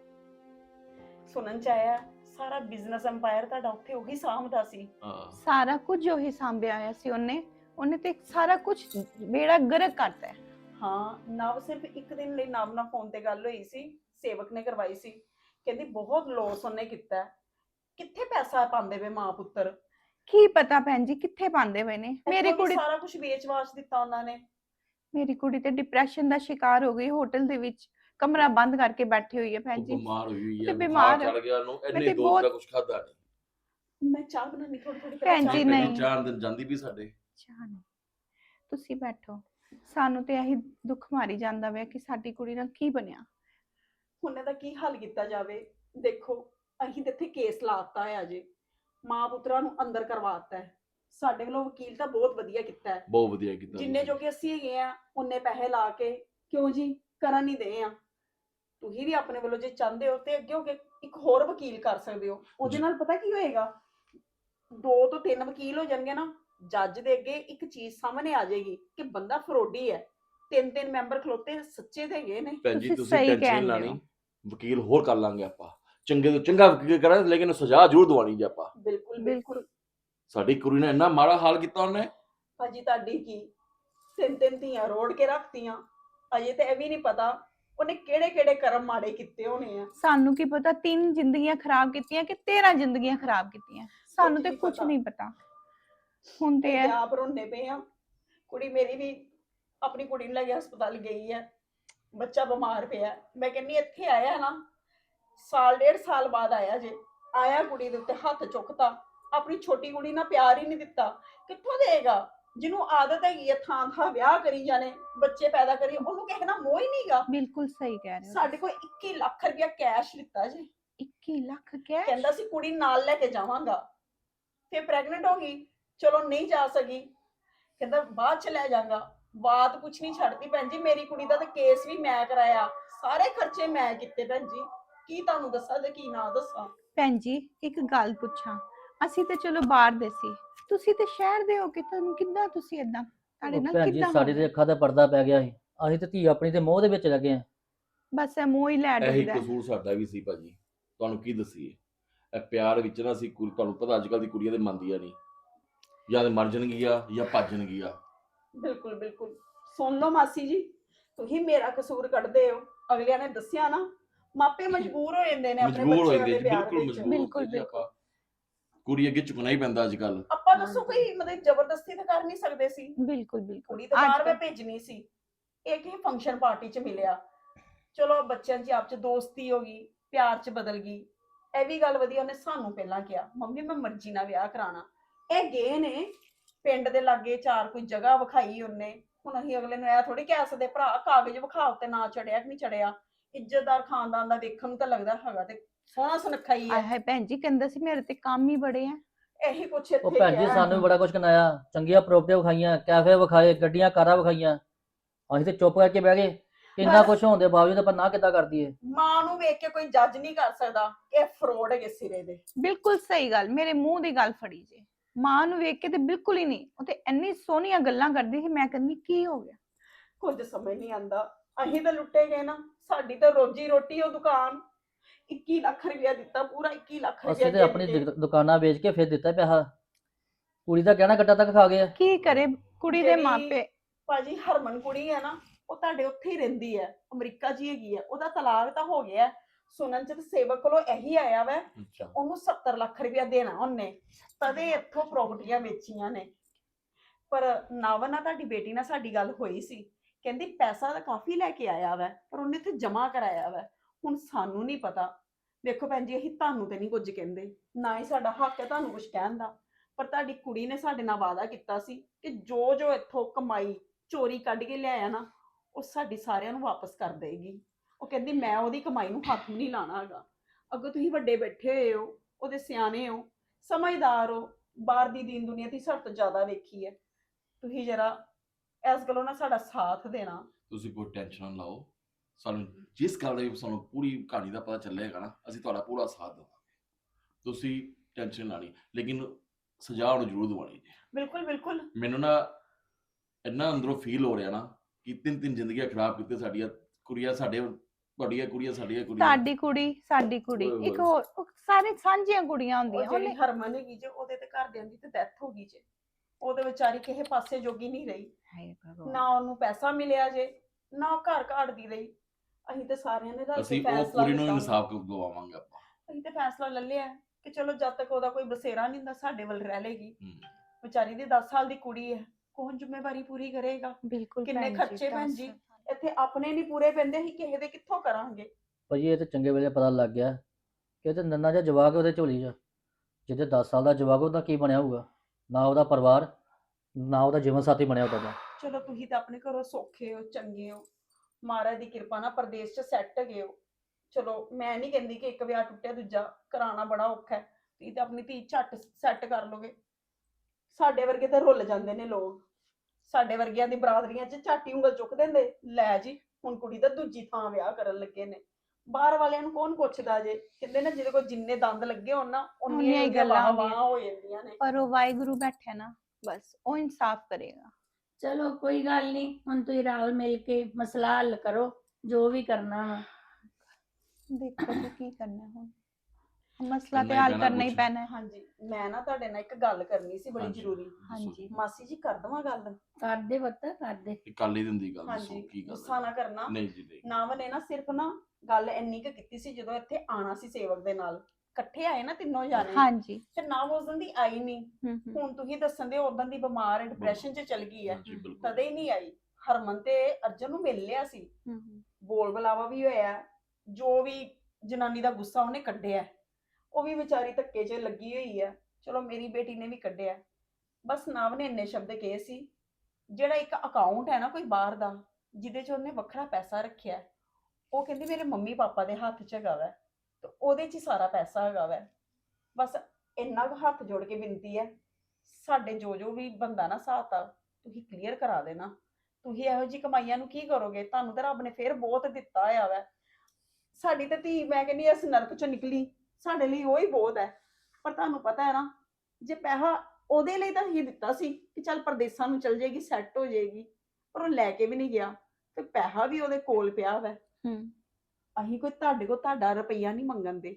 Speaker 2: ਸੁਣਨ ਚ ਆਇਆ ਸਾਰਾ ਬਿਜ਼ਨਸ ਐਮਪਾਇਰ ਤੁਹਾਡਾ ਉੱਥੇ ਉਹੀ ਸਾਂਭਦਾ ਸੀ।
Speaker 4: ਹਾਂ,
Speaker 5: ਸਾਰਾ ਕੁਝ ਉਹੀ ਸਾਂਭਿਆ ਹੋਇਆ ਸੀ ਉਹਨੇ ਤੇ ਸਾਰਾ ਕੁਝ ਬੇੜਾ ਗਰਕ ਕਰਤਾ ਹੈ।
Speaker 2: ਹਾਂ, ਨਵ ਸਿਰਫ ਇੱਕ ਦਿਨ ਲਈ ਨਵ ਨਾਲ ਫੋਨ ਤੇ ਗੱਲ ਹੋਈ ਸੀ, ਸੇਵਕ ਨੇ ਕਰਵਾਈ ਸੀ। ਕਹਿੰਦੀ ਬਹੁਤ ਲੋਸ ਉਹਨੇ ਕੀਤਾ। ਕਿੱਥੇ ਪੈਸਾ ਪਾਉਂਦੇ ਵੇ ਮਾਂ ਪੁੱਤਰ?
Speaker 5: ਕੀ ਪਤਾ ਭੈਣ ਜੀ ਕਿੱਥੇ ਪਾਉਂਦੇ ਪਏ ਨੇ। ਮੇਰੀ
Speaker 2: ਇੱਥੋਂ ਵੀ
Speaker 5: ਕੁੜੀ
Speaker 2: ਸਾਰਾ ਕੁਝ ਵੇਚ-ਵਾਚ ਦਿੱਤਾ ਉਹਨਾਂ ਨੇ।
Speaker 5: ਮੇਰੀ ਕੁੜੀ ਤੇ ਡਿਪਰੈਸ਼ਨ ਦਾ ਸ਼ਿਕਾਰ ਹੋ ਗਈ, ਹੋਟਲ ਦੇ ਵਿੱਚ ਕਮਰਾ ਬੰਦ ਕਰਕੇ ਬੈਠੀ ਹੋਈ ਹੈ ਭੈਣ
Speaker 4: ਉਹ
Speaker 5: ਜੀ।
Speaker 4: ਬਿਮਾਰ ਹੋਈ ਹੋਈ
Speaker 5: ਤੇ
Speaker 4: ਹੈ,
Speaker 5: ਬਿਮਾਰ
Speaker 4: ਬੁਖਾਰ ਚੜ ਗਿਆ ਉਹਨੂੰ।
Speaker 5: ਮੈਂ
Speaker 4: ਇੰਨੇ
Speaker 5: ਤੇ
Speaker 4: ਦੋ
Speaker 5: ਬਹੁਤ-
Speaker 4: ਦਾ ਕੁਝ ਖਾਦਾ ਨਹੀਂ।
Speaker 2: ਮੈਂ ਚਾਹ ਬਣਾਉਣੀ ਥੋੜੀ
Speaker 5: ਭੈਣ ਜੀ, ਨਹੀਂ।
Speaker 4: 4 ਦਿਨ ਜਾਂਦੀ ਵੀ ਸਾਡੇ।
Speaker 5: ਅੱਛਾ ਨਹੀਂ, ਤੁਸੀਂ ਬੈਠੋ। ਸਾਨੂੰ ਤੇ ਇਹੀ ਦੁੱਖ ਮਾਰੀ ਜਾਂਦਾ ਵੇ ਕਿ ਸਾਡੀ ਕੁੜੀ ਨਾਲ ਕੀ ਬਣਿਆ।
Speaker 2: ਹੁਣ ਇਹਦਾ ਕੀ ਹੱਲ ਕੀਤਾ ਜਾਵੇ? ਦੇਖੋ, ਅਸੀਂ ਤੇ ਇੱਥੇ ਕੇਸ ਲਾਤਾ ਹੈ। ਅਜੇ ਮਾਂ ਪੁੱਤਰਾਂ ਨੂੰ ਅੰਦਰ ਕਰਵਾਤਾ ਹੈ। ਸਾਡੇ ਵੱਲੋਂ ਵਕੀਲ ਤਾਂ ਬਹੁਤ ਵਧੀਆ ਕੀਤਾ ਹੈ।
Speaker 4: ਬਹੁਤ ਵਧੀਆ ਕੀਤਾ
Speaker 2: ਜਿੰਨੇ
Speaker 4: ਤੁਸੀਂ।
Speaker 2: ਜੋਗੇ ਅਸੀਂ ਹੈਗੇ ਆ ਉਹਨੇ ਪੈਸੇ ਲਾ ਕੇ ਕਿਉਂ ਜੀ ਕਰਨ ਨਹੀਂ ਦੇ ਆ। ਤੁਸੀਂ ਵੀ ਆਪਣੇ ਵੱਲੋਂ ਜੇ ਚਾਹੁੰਦੇ ਹੋ ਤੇ ਅੱਗੇ ਹੋ ਕੇ ਇੱਕ ਹੋਰ ਵਕੀਲ ਕਰ ਸਕਦੇ ਹੋ। ਉਹਦੇ ਨਾਲ ਪਤਾ ਕੀ ਹੋਏਗਾ, 2 ਤੋਂ 3 ਵਕੀਲ ਹੋ ਜਾਣਗੇ ਨਾ, ਜੱਜ ਦੇ ਅੱਗੇ ਇੱਕ ਚੀਜ਼ ਸਾਹਮਣੇ ਆ ਜਾਏਗੀ ਕਿ ਬੰਦਾ ਫਰੋਡੀ ਹੈ। 3 ਮੈਂਬਰ ਖਲੋਤੇ ਸੱਚੇ ਤੇ ਹੈਗੇ ਨੇ।
Speaker 4: ਭੈਣ ਜੀ,
Speaker 5: ਤੁਸੀਂ
Speaker 4: ਤੁਸੀਂ
Speaker 5: ਸਹੀ
Speaker 4: ਟੈਨਸ਼ਨ
Speaker 5: ਕਹਿੰਦੇ
Speaker 4: ਲਾਣੀ,
Speaker 5: ਹੋ।
Speaker 4: ਵਕੀਲ ਹੋਰ ਕਰ ਲਾਂਗੇ ਆਪਾਂ। ਚੰਗੇ ਤੋਂ ਚੰਗਾ ਵਕੀਲ ਕਰਾਂਗੇ, ਲੇਕਿਨ ਸਜ਼ਾ ਜ਼ਰੂਰ ਦਵਾਣੀ ਜੀ ਆਪਾਂ।
Speaker 2: ਬਿਲਕੁਲ।
Speaker 4: ਸਾਡੀ ਕੁੜੀ ਨੇ ਇੰਨਾ ਮਾੜਾ ਹਾਲ ਕੀਤਾ ਉਹਨੇ।
Speaker 2: ਭਾਜੀ ਤੁਹਾਡੀ ਕੀ 3 ਧੀਆਂ ਰੋੜ ਕੇ ਰੱਖਤੀਆਂ। ਅਜੇ ਤੇ ਇਹ ਵੀ ਨਹੀਂ ਪਤਾ ਉਹਨੇ ਕਿਹੜੇ ਕਰਮ ਮਾੜੇ ਕੀਤੇ ਹੋਣੇ ਆ।
Speaker 5: ਸਾਨੂੰ ਕੀ ਪਤਾ 3 ਜ਼ਿੰਦਗੀਆਂ ਖਰਾਬ ਕੀਤੀਆਂ ਕਿ 13 ਜ਼ਿੰਦਗੀਆਂ ਖਰਾਬ ਕੀਤੀਆਂ, ਸਾਨੂੰ ਤੇ
Speaker 2: ਨਹੀਂ
Speaker 5: ਕੁਝ
Speaker 2: ਪਤਾ।
Speaker 5: ਨਹੀਂ ਪਤਾ। ਹੁਣ ਤੇ
Speaker 2: ਅਸੀਂ
Speaker 5: ਇਹ
Speaker 2: ਆਪ ਰੋਂਦੇ ਪਏ ਆ। ਕੁੜੀ ਮੇਰੀ ਵੀ ਆਪਣੀ ਕੁੜੀ ਨੂੰ ਲੈ ਕੇ ਹਸਪਤਾਲ ਗਈ ਹੈ, ਬੱਚਾ ਬਿਮਾਰ ਪਿਆ। ਮੈਂ ਕਹਿੰਨੀ ਇੱਥੇ ਆਇਆ ਨਾ, 1.5 ਸਾਲ ਬਾਅਦ ਆਇਆ ਜੇ। ਆਇਆ ਕੁੜੀ ਦੇ ਉੱਤੇ ਹੱਥ ਚੁੱਕਤਾ, ਆਪਣੀ ਛੋਟੀ ਕੁੜੀ ਨਾਲ ਪਿਆਰ ਹੀ ਨਹੀਂ ਦਿੱਤਾ, ਕਿੱਥੋਂ ਦੇਗਾ? ਜਿਹਨੂੰ ਆਦਤ ਹੈਗੀ ਹੈ ਥਾਂ ਥਾਂ ਵਿਆਹ ਕਰੀ ਜਾਣੇ, ਬੱਚੇ ਪੈਦਾ ਕਰੀ, ਉਹਨੂੰ ਕਿਸੇ ਨਾਲ ਮੋਹ ਹੀ ਨਹੀਂਗਾ।
Speaker 5: ਬਿਲਕੁਲ ਸਹੀ ਕਹਿ ਰਹੇ ਹੋ।
Speaker 2: ਸਾਡੇ ਕੋਲ 21 ਲੱਖ ਰੁਪਇਆ ਕੈਸ਼ ਲਿੱਤਾ ਜੀ,
Speaker 5: 21 ਲੱਖ ਕੈਸ਼?
Speaker 2: ਕਹਿੰਦਾ ਸੀ ਕੁੜੀ ਨਾਲ ਲੈ ਕੇ ਜਾਵਾਂਗਾ। ਫਿਰ ਪ੍ਰੈਗਨੈਂਟ ਹੋ ਗਈ, ਚਲੋ ਨਹੀਂ ਜਾ ਸਕੀ, ਕਹਿੰਦਾ ਬਾਅਦ ਚ ਲੈ ਜਾਵਾਂਗਾ। ਬਾਤ ਕੁਛ ਨਹੀਂ ਛੱਡਦੀ ਭੈਣ ਜੀ, ਮੇਰੀ ਕੁੜੀ ਦਾ ਤਾਂ ਕੇਸ ਵੀ ਮੈਂ ਕਰਾਇਆ, ਸਾਰੇ ਖਰਚੇ ਮੈਂ ਕੀਤੇ ਭੈਣ ਜੀ। ਕੀ ਤੁਹਾਨੂੰ ਦੱਸਾਂ ਤੇ ਕੀ ਨਾ ਦੱਸਾਂ।
Speaker 5: ਭੈਣ ਜੀ ਇੱਕ ਗੱਲ ਪੁੱਛਾਂ, ਅਸੀਂ ਤੇ ਚਲੋ ਬਾਹਰ ਦੇ ਸੀ, ਤੁਸੀਂ ਤੇ ਸ਼ਹਿਰ ਦੇ ਹੋ ਕਿ ਤੁਹਾਨੂੰ ਕਿੱਦਾਂ ਤੁਸੀਂ ਏਦਾਂ ਤੁਹਾਡੇ
Speaker 1: ਉਹ
Speaker 5: ਨਾਲ
Speaker 1: ਭੈਣ ਜੀ
Speaker 5: ਕਿੱਦਾਂ ਹੋ
Speaker 1: ਸਾਡੀ ਤੇ
Speaker 5: ਗਿਆ?
Speaker 1: ਅੱਖਾਂ ਤੇ ਪਰਦਾ ਪੈ ਗਿਆ ਸੀ, ਅਸੀਂ ਤੇ ਧੀ ਆਪਣੀ ਤੇ ਮੋਹ ਦੇ ਵਿੱਚ ਲੱਗੇ ਆ।
Speaker 5: ਬਸ ਇਹ ਮੋਹ ਹੀ ਲੈ
Speaker 4: ਇਹੀ
Speaker 5: ਡੁੱਬਦਾ ਹੈ।
Speaker 4: ਕਸੂਰ ਸਾਡਾ ਵੀ ਸੀ ਭਾਜੀ, ਤੁਹਾਨੂੰ ਕੀ ਦਸੀਏ। ਇਹ ਪਿਆਰ ਵਿੱਚ ਨਾ ਸੀ, ਤੁਹਾਨੂੰ ਪਤਾ ਅੱਜ ਕੱਲ ਦੀ ਕੁੜੀਆਂ ਦੇ ਮੰਨਦੀਆਂ ਨਹੀਂ, ਜਾਂ ਤੇ ਮਰ ਜਾਣਗੀਆਂ ਜਾਂ ਭੱਜ ਜਾਣਗੀਆਂ।
Speaker 2: ਬਿਲਕੁਲ ਬਿਲਕੁਲ, ਸੁਣ ਲਓ ਮਾਸੀ ਜੀ, ਤੁਸੀਂ ਮੇਰਾ ਕਸੂਰ ਕੱਢਦੇ ਹੋ, ਅਗਲਿਆਂ ਨੇ ਦੱਸਿਆ ਨਾ, ਮਾਪੇ ਮਜਬੂਰ ਹੋ ਜਾਂਦੇ ਨੇ ਆਪਣੇ
Speaker 4: ਮਜਬੂਰ ਹੋ
Speaker 2: ਬੱਚਿਆਂ
Speaker 4: ਜਾਂਦੇ
Speaker 2: ਦੇ
Speaker 4: ਜੀ,
Speaker 2: ਪਿਆਰ
Speaker 4: ਬਿਲਕੁਲ
Speaker 2: ਵਿੱਚ।
Speaker 4: ਮਜਬੂਰ
Speaker 5: ਬਿਲਕੁਲ,
Speaker 4: ਹੁੰਦੇ ਜੀ ਆਪਾਂ। ਕੁੜੀ ਅੱਗੇ ਝੁਕਣਾ ਹੀ ਪੈਂਦਾ ਅੱਜ ਕੱਲ।
Speaker 2: ਆਪਾਂ ਦੱਸੋ ਕੋਈ ਮਤਲਬ ਜ਼ਬਰਦਸਤੀ ਤਾਂ ਕਰ ਨਹੀਂ ਸਕਦੇ ਸੀ,
Speaker 5: ਬਿਲਕੁਲ ਬਿਲਕੁਲ।
Speaker 2: ਕੁੜੀ ਤਾਂ ਬਾਹਰ ਵੇ ਭੇਜਣੀ ਸੀ, ਇੱਕ ਹੀ ਫੰਕਸ਼ਨ ਪਾਰਟੀ 'ਚ ਮਿਲਿਆ, ਚਲੋ ਬੱਚਿਆਂ 'ਚ ਆਪ 'ਚ ਦੋਸਤੀ ਹੋ ਗਈ, ਪਿਆਰ 'ਚ ਬਦਲ ਗਈ। ਇਹ ਵੀ ਗੱਲ ਵਧੀਆ, ਉਹਨੇ ਸਾਨੂੰ ਪਹਿਲਾਂ ਕਿਹਾ ਮੰਮੀ ਮੈਂ ਮਰਜ਼ੀ ਨਾਲ ਵਿਆਹ ਕਰਾਣਾ। ਇਹ ਗਏ ਨੇ ਪਿੰਡ ਦੇ ਲਾਗੇ, ਚਾਰ ਕੋਈ ਜਗ੍ਹਾ ਵਿਖਾਈ ਉਹਨੇ। ਹੁਣ ਅਸੀਂ ਅਗਲੇ ਨੂੰ ਇਹ ਥੋੜੀ ਕਹਿ ਸਕਦੇ ਭਰਾ ਕਾਗਜ਼ ਵਿਖਾ ਉੱਤੇ ਨਾ ਚੜਿਆ ਕਿ ਨਹੀਂ ਚੜਿਆ। ਇੱਜ਼ਤਦਾਰ ਖਾਨਦਾਨ ਦਾ ਵੇਖਣ ਨੂੰ ਤਾਂ ਲੱਗਦਾ ਹੈਗਾ ਤੇ ਸੋਹਣਾ ਸੁਨੱਖਾ ਹੀ
Speaker 5: ਆਏ
Speaker 2: ਹੈ।
Speaker 5: ਹਾਏ ਭੈਣ ਜੀ, ਕਹਿੰਦਾ ਸੀ ਮੇਰੇ ਤੇ ਕੰਮ ਹੀ ਬੜੇ ਆ।
Speaker 2: ਇਹੀ ਕੁਛ
Speaker 1: ਉਹ
Speaker 2: ਇੱਥੇ
Speaker 1: ਭੈਣ ਜੀ
Speaker 2: ਕਿਹਾ।
Speaker 1: ਸਾਨੂੰ ਵੀ ਬੜਾ ਕੁਝ ਕਨਾਇਆ, ਚੰਗੀਆਂ ਪ੍ਰਾਪਰਟੀਆਂ ਵਿਖਾਈਆਂ, ਕੈਫੇ ਵਿਖਾਏ, ਗੱਡੀਆਂ ਕਾਰਾਂ ਵਿਖਾਈਆਂ, ਅਸੀਂ ਤੇ ਚੁੱਪ ਕਰਕੇ ਬਹਿ ਗਏ। ਇੰਨਾ
Speaker 2: ਬਸ।
Speaker 1: ਕੁਝ ਹੋਣ ਦੇ ਬਾਵਜੂਦ ਆਪਾਂ ਨਾ ਕਿੱਦਾਂ ਕਰ ਦਈਏ?
Speaker 2: ਮਾਂ ਨੂੰ ਵੇਖ ਕੇ ਕੋਈ ਜੱਜ ਨਹੀਂ ਕਰ ਸਕਦਾ ਕਿ ਇਹ ਫਰੋਡ ਹੈਗੇ ਸਿਰੇ ਦੇ।
Speaker 5: ਬਿਲਕੁਲ ਸਹੀ ਗੱਲ, ਮੇਰੇ ਮੂੰਹ ਦੀ ਗੱਲ ਫੜੀ ਜੇ। ਮਾਂ ਨੂੰ ਵੇਖ ਕੇ ਤੇ ਬਿਲਕੁਲ ਹੀ ਨਹੀਂ, ਉਹ ਤੇ ਇੰਨੀ ਸੋਹਣੀਆਂ ਗੱਲਾਂ ਕਰਦੀ ਸੀ, ਮੈਂ ਕਹਿੰਦੀ ਕੀ ਹੋ ਗਿਆ।
Speaker 2: ਕੁਝ ਸਮਝ ਨਹੀਂ ਆਂਦਾ, ਅਸੀਂ ਤਾਂ ਲੁੱਟੇ ਗਏ ਨਾ, ਸਾਡੀ ਤਾਂ ਰੋਜੀ ਰੋਟੀ ਉਹ ਦੁਕਾਨ। 21 ਲੱਖ ਰੁਪਇਆ ਦਿੱਤਾ, ਪੂਰਾ 21 ਲੱਖ ਰੁਪਇਆ
Speaker 1: ਅਸੀਂ ਤੇ
Speaker 2: ਗਿਣ
Speaker 1: ਆਪਣੀ
Speaker 2: ਕੇ।
Speaker 1: ਦੁਕਾਨਾਂ ਵੇਚ ਕੇ ਫਿਰ ਦਿੱਤਾ ਪੈਸਾ, ਕੁੜੀ ਦਾ ਕਹਿਣਾ ਗੱਟਾ ਤੱਕ ਖਾ ਗਏ।
Speaker 5: ਕੀ ਕਰੇ ਕੁੜੀ ਦੇ
Speaker 2: ਜਿਹੜੀ
Speaker 5: ਮਾਪੇ।
Speaker 2: ਭਾਜੀ ਹਰਮਨ ਕੁੜੀ ਹੈ ਨਾ, ਉਹ ਤੁਹਾਡੇ ਉੱਥੇ ਹੀ ਰਹਿੰਦੀ ਹੈ, ਅਮਰੀਕਾ 'ਚ ਹੀ ਹੈਗੀ ਹੈ। ਉਹਦਾ ਤਲਾਕ ਤਾਂ ਹੋ ਗਿਆ, ਸੁਣਨ 'ਚ ਤੇ ਸੇਵਕ ਕੋਲੋਂ ਇਹੀ ਆਇਆ ਵਾ,
Speaker 4: ਅੱਛਾ,
Speaker 2: ਉਹਨੂੰ 70 ਲੱਖ ਰੁਪਇਆ ਦੇਣਾ ਉਹਨੇ, ਤਦੇ ਇੱਥੋਂ ਪ੍ਰਾਪਰਟੀਆਂ ਵੇਚੀਆਂ ਨੇ। ਪਰ ਨਵ ਨਾਲ ਤੁਹਾਡੀ ਬੇਟੀ ਨਾਲ ਸਾਡੀ ਗੱਲ ਹੋਈ ਸੀ, ਕਹਿੰਦੀ ਪੈਸਾ ਤਾਂ ਕਾਫੀ ਲੈ ਕੇ ਆਇਆ ਵਾ, ਪਰ ਉਹਨੇ ਇੱਥੇ ਜਮਾ ਕਰਾਇਆ ਵਾ। ਹੁਣ ਸਾਨੂੰ ਨਹੀਂ ਪਤਾ, ਵੇਖੋ ਭੈਣ ਜੀ ਅਸੀਂ ਤੁਹਾਨੂੰ ਤੇ ਨਹੀਂ ਕੁਝ ਕਹਿੰਦੇ, ਨਾ ਹੀ ਸਾਡਾ ਹੱਕ ਹੈ ਤੁਹਾਨੂੰ ਕੁਝ ਕਹਿਣ ਦਾ, ਪਰ ਤੁਹਾਡੀ ਕੁੜੀ ਨੇ ਸਾਡੇ ਨਾਲ ਵਾਅਦਾ ਕੀਤਾ ਸੀ ਕਿ ਜੋ ਜੋ ਇੱਥੋਂ ਕਮਾਈ ਚੋਰੀ ਕੱਢ ਕੇ ਲਿਆਇਆ ਨਾ, ਉਹ ਸਾਡੀ ਸਾਰਿਆਂ ਨੂੰ ਵਾਪਸ ਕਰ ਦੇਗੀ। ਉਹ ਕਹਿੰਦੀ ਮੈਂ ਉਹਦੀ ਕਮਾਈ ਨੂੰ ਹੱਥ ਨਹੀਂ ਲਾਣਾ ਹੈਗਾ। ਅੱਗੋਂ ਤੁਸੀਂ ਵੱਡੇ ਬੈਠੇ ਹੋਏ ਹੋ, ਉਹਦੇ ਸਿਆਣੇ ਹੋ, ਸਮਝਦਾਰ ਹੋ, ਬਾਹਰ ਦੀ ਦੀਨ ਦੁਨੀਆ ਦੀ ਸਾਡੇ ਤੋਂ ਜ਼ਿਆਦਾ ਵੇਖੀ ਹੈ, ਤੁਸੀਂ ਜਰਾ ਇਸ ਗੱਲੋਂ ਨਾ ਸਾਡਾ ਸਾਥ ਦੇਣਾ।
Speaker 4: ਤੁਸੀਂ ਕੋਈ ਟੈਨਸ਼ਨ ਨਾ ਲਓ, ਸਾਨੂੰ ਜਿਸ ਗੱਲ ਦੀ ਸਾਨੂੰ ਪੂਰੀ ਕਹਾਣੀ ਦਾ ਪਤਾ ਚੱਲੇਗਾ ਨਾ, ਅਸੀਂ ਤੁਹਾਡਾ ਪੂਰਾ ਸਾਥ ਦੇਵਾਂਗੇ। ਤੁਸੀਂ ਟੈਨਸ਼ਨ ਨਾ ਲਈ, ਲੇਕਿਨ ਸਜ਼ਾ ਨੂੰ ਜ਼ਰੂਰ ਦਿਵਾਣੀ ਜੀ।
Speaker 2: ਬਿਲਕੁਲ ਬਿਲਕੁਲ।
Speaker 4: ਮੈਨੂੰ ਨਾ ਇੰਨਾ ਅੰਦਰੋਂ ਫੀਲ ਹੋ ਰਿਹਾ ਨਾ ਕਿ ਤਿੰਨ ਜ਼ਿੰਦਗੀਆਂ ਖਰਾਬ ਕੀਤੀਆਂ ਸਾਡੀਆਂ ਕੁੜੀਆਂ, ਤੁਹਾਡੀਆਂ ਕੁੜੀਆਂ, ਸਾਡੀਆਂ ਕੁੜੀਆਂ।
Speaker 5: ਸਾਡੀ ਕੁੜੀ ਸਾਡੀ ਕੁੜੀ
Speaker 4: ਓਏ
Speaker 5: ਇੱਕ
Speaker 4: ਹੋਏ।
Speaker 5: ਹੋਰ, ਉਹ ਸਾਰੇ ਸਾਂਝੀਆਂ ਕੁੜੀਆਂ
Speaker 2: ਉਹ
Speaker 5: ਹੁੰਦੀਆਂ।
Speaker 2: ਜਿਹੜੀ
Speaker 5: ਉਹਨੇ
Speaker 2: ਹਰਮਨ ਹੈਗੀ ਜੇ, ਉਹਦੇ ਤੇ ਘਰਦਿਆਂ ਦੀ ਤੇ ਡੈਥ ਹੋ ਗਈ ਜੇ, ਉਹਦੇ ਵਿਚਾਰੀ ਕਿਸੇ ਪਾਸੇ ਜੋਗੀ ਨਹੀਂ ਰਹੀ,
Speaker 5: ਹਾਏ ਭਗਵਾਨ।
Speaker 2: ਨਾ ਉਹਨੂੰ ਪੈਸਾ ਮਿਲਿਆ ਜੇ, ਨਾ ਉਹ ਘਰ ਘਾੜਦੀ ਰਹੀ। ਅਸੀਂ ਤੇ ਸਾਰਿਆਂ ਨੇ ਰਲ ਕੇ
Speaker 4: ਅਸੀਂ ਉਹ
Speaker 2: ਫੈਸਲਾ
Speaker 4: ਕੁੜੀ ਨੂੰ
Speaker 2: ਲਿੱਤਾ।
Speaker 4: ਇਨਸਾਫ ਦਿਵਾਵਾਂਗੇ ਆਪਾਂ।
Speaker 2: ਅਸੀਂ ਤੇ ਫੈਸਲਾ ਲੈ ਲਿਆ ਕਿ ਚਲੋ ਜਦ ਤੱਕ ਉਹਦਾ ਕੋਈ ਬਸੇਰਾ ਨਹੀਂ ਹੁੰਦਾ, ਸਾਡੇ ਵੱਲ ਰਹਿ ਲੇਗੀ।
Speaker 4: ਹੂੰ।
Speaker 2: ਵਿਚਾਰੀ ਦੀ 10 ਸਾਲ ਦੀ ਕੁੜੀ ਹੈ, ਕੌਣ ਜ਼ਿੰਮੇਵਾਰੀ ਪੂਰੀ ਕਰੇਗਾ?
Speaker 5: ਬਿਲਕੁਲ
Speaker 2: ਕਿੰਨੇ
Speaker 5: ਭੈਣ
Speaker 2: ਖਰਚੇ ਭੈਣ
Speaker 5: ਦੱਸ।
Speaker 2: ਜੀ। ਇੱਥੇ ਆਪਣੇ ਨਹੀਂ ਪੂਰੇ ਪੈਂਦੇ, ਅਸੀਂ ਕਿਸੇ ਦੇ ਕਿੱਥੋਂ ਕਰਾਂਗੇ?
Speaker 1: ਭਾਜੀ ਇਹ ਤੇ ਚੰਗੇ ਵੇਲੇ ਪਤਾ ਲੱਗ ਗਿਆ ਕਿ ਇਹ ਤੇ ਨੰਨਾ ਜਿਹਾ ਜਵਾਕ ਉਹਦੇ ਝੋਲੀ 'ਚ, ਜਿਹਦੇ 10 ਸਾਲ ਦਾ ਜਵਾਕ, ਉਹਦਾ ਕੀ ਬਣਿਆ ਹੋਊਗਾ? ਨਾ ਉਹਦਾ ਪਰਿਵਾਰ, ਨਾ ਉਹਦਾ ਜੀਵਨ ਸਾਥੀ ਬਣਿਆ ਉਹਦਾ ਤਾਂ।
Speaker 2: ਚਲੋ ਤੁਸੀਂ ਤਾਂ ਆਪਣੇ ਘਰੋਂ ਸੌਖੇ ਹੋ, ਚੰਗੇ ਹੋ, ਮਹਾਰਾਜ ਦੀ ਕਿਰਪਾ ਨਾਲ ਪ੍ਰਦੇਸ਼ 'ਚ ਸੈੱਟ ਗਏ ਹੋ। ਚਲੋ ਮੈਂ ਨਹੀਂ ਕਹਿੰਦੀ ਕਿ ਇੱਕ ਵਿਆਹ ਟੁੱਟਿਆ ਦੂਜਾ ਕਰਾਉਣਾ ਬੜਾ ਔਖਾ ਹੈ, ਤੁਸੀਂ ਤਾਂ ਆਪਣੀ ਧੀ ਝੱਟ ਸੈੱਟ ਕਰ ਲੋਗੇ। ਸਾਡੇ ਵਰਗੇ ਤਾਂ ਰੁੱਲ ਜਾਂਦੇ ਨੇ ਲੋਕ, ਸਾਡੇ ਵਰਗਿਆਂ ਦੀ ਬਰਾਦਰੀਆਂ 'ਚ ਝੱਟ ਹੀ ਉਂਗਲ ਚੁੱਕ ਦਿੰਦੇ, ਲੈ ਜੀ ਹੁਣ ਕੁੜੀ ਦਾ ਦੂਜੀ ਥਾਂ ਵਿਆਹ ਕਰਨ ਲੱਗੇ ਨੇ। ਬਾਹਰ ਵਾਲਿਆਂ ਨੂੰ ਕੌਣ ਪੁੱਛਦਾ ਜੇ? ਕਹਿੰਦੇ ਨਾ ਜਿਹਦੇ ਕੋਲ ਜਿੰਨੇ ਦੰਦ ਲੱਗੇ ਹੋਣ ਨਾ,
Speaker 5: ਉਨੀਆਂ ਹੀ
Speaker 2: ਉਹਦੀਆਂ
Speaker 5: ਗੱਲਾਂ
Speaker 2: ਵਾਹਾਂ ਹੋ ਜਾਂਦੀਆਂ ਨੇ।
Speaker 5: ਪਰ ਉਹ ਵਾਹਿਗੁਰੂ ਬੈਠਾ ਨਾ, ਬਸ ਉਹ ਇਨਸਾਫ ਕਰੇਗਾ।
Speaker 3: ਚਲੋ ਕੋਈ ਗੱਲ ਨਹੀਂ, ਹੁਣ ਤੁਸੀਂ ਰਲ ਮਿਲ ਕੇ ਮਸਲਾ ਹੱਲ ਕਰੋ, ਜੋ ਵੀ ਕਰਨਾ ਵਾ।
Speaker 5: ਦੇਖੋ ਜੀ ਕੀ ਕਰਨਾ ਹੁਣ, ਮਸਲਾ ਤੇ
Speaker 4: ਕਰਨਾ ਹੀ
Speaker 5: ਹੱਲ
Speaker 4: ਪੈਣਾ
Speaker 5: ਕਰਨਾ ਹੀ
Speaker 4: ਕੁਛ।
Speaker 5: ਪੈਣਾ ਹੈ।
Speaker 2: ਹਾਂਜੀ, ਮੈਂ ਨਾ ਤੁਹਾਡੇ ਨਾਲ ਇੱਕ ਗੱਲ ਕਰਨੀ ਸੀ ਬੜੀ
Speaker 4: ਹਾਂਜੀ।
Speaker 2: ਜ਼ਰੂਰੀ।
Speaker 5: ਹਾਂਜੀ
Speaker 2: ਮਾਸੀ ਜੀ ਕਰ ਦਵਾਂ ਗੱਲ?
Speaker 3: ਕਰਦੇ ਪੁੱਤ ਕਰਦੇ।
Speaker 4: ਇਹ ਕੱਲ ਹੀ ਦਿੰਦੀ ਗੱਲ, ਦੱਸੋ
Speaker 2: ਹਾਂਜੀ,
Speaker 4: ਕੀ ਗੱਲ
Speaker 2: ਗੁੱਸਾ ਨਾ ਕਰਨਾ।
Speaker 4: ਨਹੀਂ ਜੀ ਨਹੀਂ।
Speaker 2: ਨਾਮ ਨੇ ਨਾ ਸਿਰਫ ਨਾ ਗੱਲ ਇੰਨੀ ਕੁ ਕੀਤੀ ਸੀ, ਜਦੋਂ ਇੱਥੇ ਆਣਾ ਸੀ ਸੇਵਕ ਦੇ ਨਾਲ, ਇਕੱਠੇ ਆਏ ਨਾ ਤਿੰਨੋਂ ਜਾਣੇ,
Speaker 5: ਹਾਂਜੀ।
Speaker 2: ਤੇ ਨਾਮ ਉਸ ਦਿਨ ਦੀ ਆਈ ਨਹੀਂ।
Speaker 5: ਹੂੰ।
Speaker 2: ਹੁਣ ਤੁਸੀਂ ਦੱਸਣ ਦੇ ਉਦੋਂ ਦੀ ਬਿਮਾਰ ਹੈ, ਡਿਪਰੈਸ਼ਨ 'ਚ ਚਲ ਗਈ ਹੈ,
Speaker 4: ਹਾਂਜੀ ਬਿਲਕੁਲ।
Speaker 2: ਤਦੇ ਹੀ ਨਹੀਂ ਆਈ। ਹਰਮਨ ਤੇ ਅਰਜਨ ਨੂੰ ਮਿਲ ਲਿਆ ਸੀ,
Speaker 5: ਹੂੰ।
Speaker 2: ਬੋਲ ਬੁਲਾਵਾ ਵੀ ਹੋਇਆ, ਜੋ ਵੀ ਜਨਾਨੀ ਦਾ ਗੁੱਸਾ ਉਹਨੇ ਕੱਢਿਆ। ਉਹ ਵੀ ਵਿਚਾਰੀ ਧੱਕੇ 'ਚ ਲੱਗੀ ਹੋਈ ਹੈ। ਚਲੋ ਮੇਰੀ ਬੇਟੀ ਨੇ ਵੀ ਕੱਢਿਆ, ਬਸ ਨਵ ਨੇ ਇੰਨੇ ਸ਼ਬਦ ਕਹੇ ਸੀ, ਜਿਹੜਾ ਇੱਕ ਅਕਾਊਂਟ ਹੈ ਨਾ ਕੋਈ ਬਾਹਰ ਦਾ ਜਿਹਦੇ 'ਚ ਉਹਨੇ ਵੱਖਰਾ ਪੈਸਾ ਰੱਖਿਆ, ਉਹ ਕਹਿੰਦੀ ਮੇਰੇ ਮੰਮੀ ਪਾਪਾ ਦੇ ਹੱਥ 'ਚ ਹੈਗਾ ਵੈ, ਤੇ ਉਹਦੇ 'ਚ ਹੀ ਸਾਰਾ ਪੈਸਾ ਹੈਗਾ ਵੈ। ਬਸ ਇੰਨਾ ਕੁ ਹੱਥ ਜੋੜ ਕੇ ਬੇਨਤੀ ਹੈ, ਸਾਡੇ ਜੋ ਵੀ ਬੰਦਾ ਨਾ ਸਹਾਇਤਾ ਤੁਸੀਂ ਕਲੀਅਰ ਕਰਾ ਦੇਣਾ। ਤੁਸੀਂ ਇਹੋ ਜਿਹੀ ਕਮਾਈਆਂ ਨੂੰ ਕੀ ਕਰੋਗੇ? ਤੁਹਾਨੂੰ ਤਾਂ ਰੱਬ ਨੇ ਫੇਰ ਬਹੁਤ ਦਿੱਤਾ ਹੋਇਆ ਵੈ। ਸਾਡੀ ਤਾਂ ਧੀ, ਮੈਂ ਕਹਿੰਦੀ ਇਸ ਨਰਕ ਚੋਂ ਨਿਕਲੀ, ਸਾਡੇ ਲਈ ਉਹ ਹੀ ਬਹੁਤ ਹੈ। ਪਰ ਤੁਹਾਨੂੰ ਪਤਾ ਹੈ ਨਾ, ਜੇ ਪੈਸਾ ਉਹਦੇ ਲਈ ਤਾਂ ਹੀ ਦਿੱਤਾ ਸੀ ਕਿ ਚੱਲ ਪਰਦੇਸਾਂ ਨੂੰ ਚਲ ਜਾਏਗੀ, ਸੈੱਟ ਹੋ ਜਾਏਗੀ, ਪਰ ਉਹ ਲੈ ਕੇ ਵੀ ਨਹੀਂ ਗਿਆ, ਤੇ ਪੈਸਾ ਵੀ ਉਹਦੇ ਕੋਲ ਪਿਆ ਵੈ। ਅਸੀਂ ਕੋਈ ਤੁਹਾਡੇ ਕੋਲ ਤੁਹਾਡਾ ਰੁਪਈਆ ਨਹੀਂ ਮੰਗਣ ਦੇ।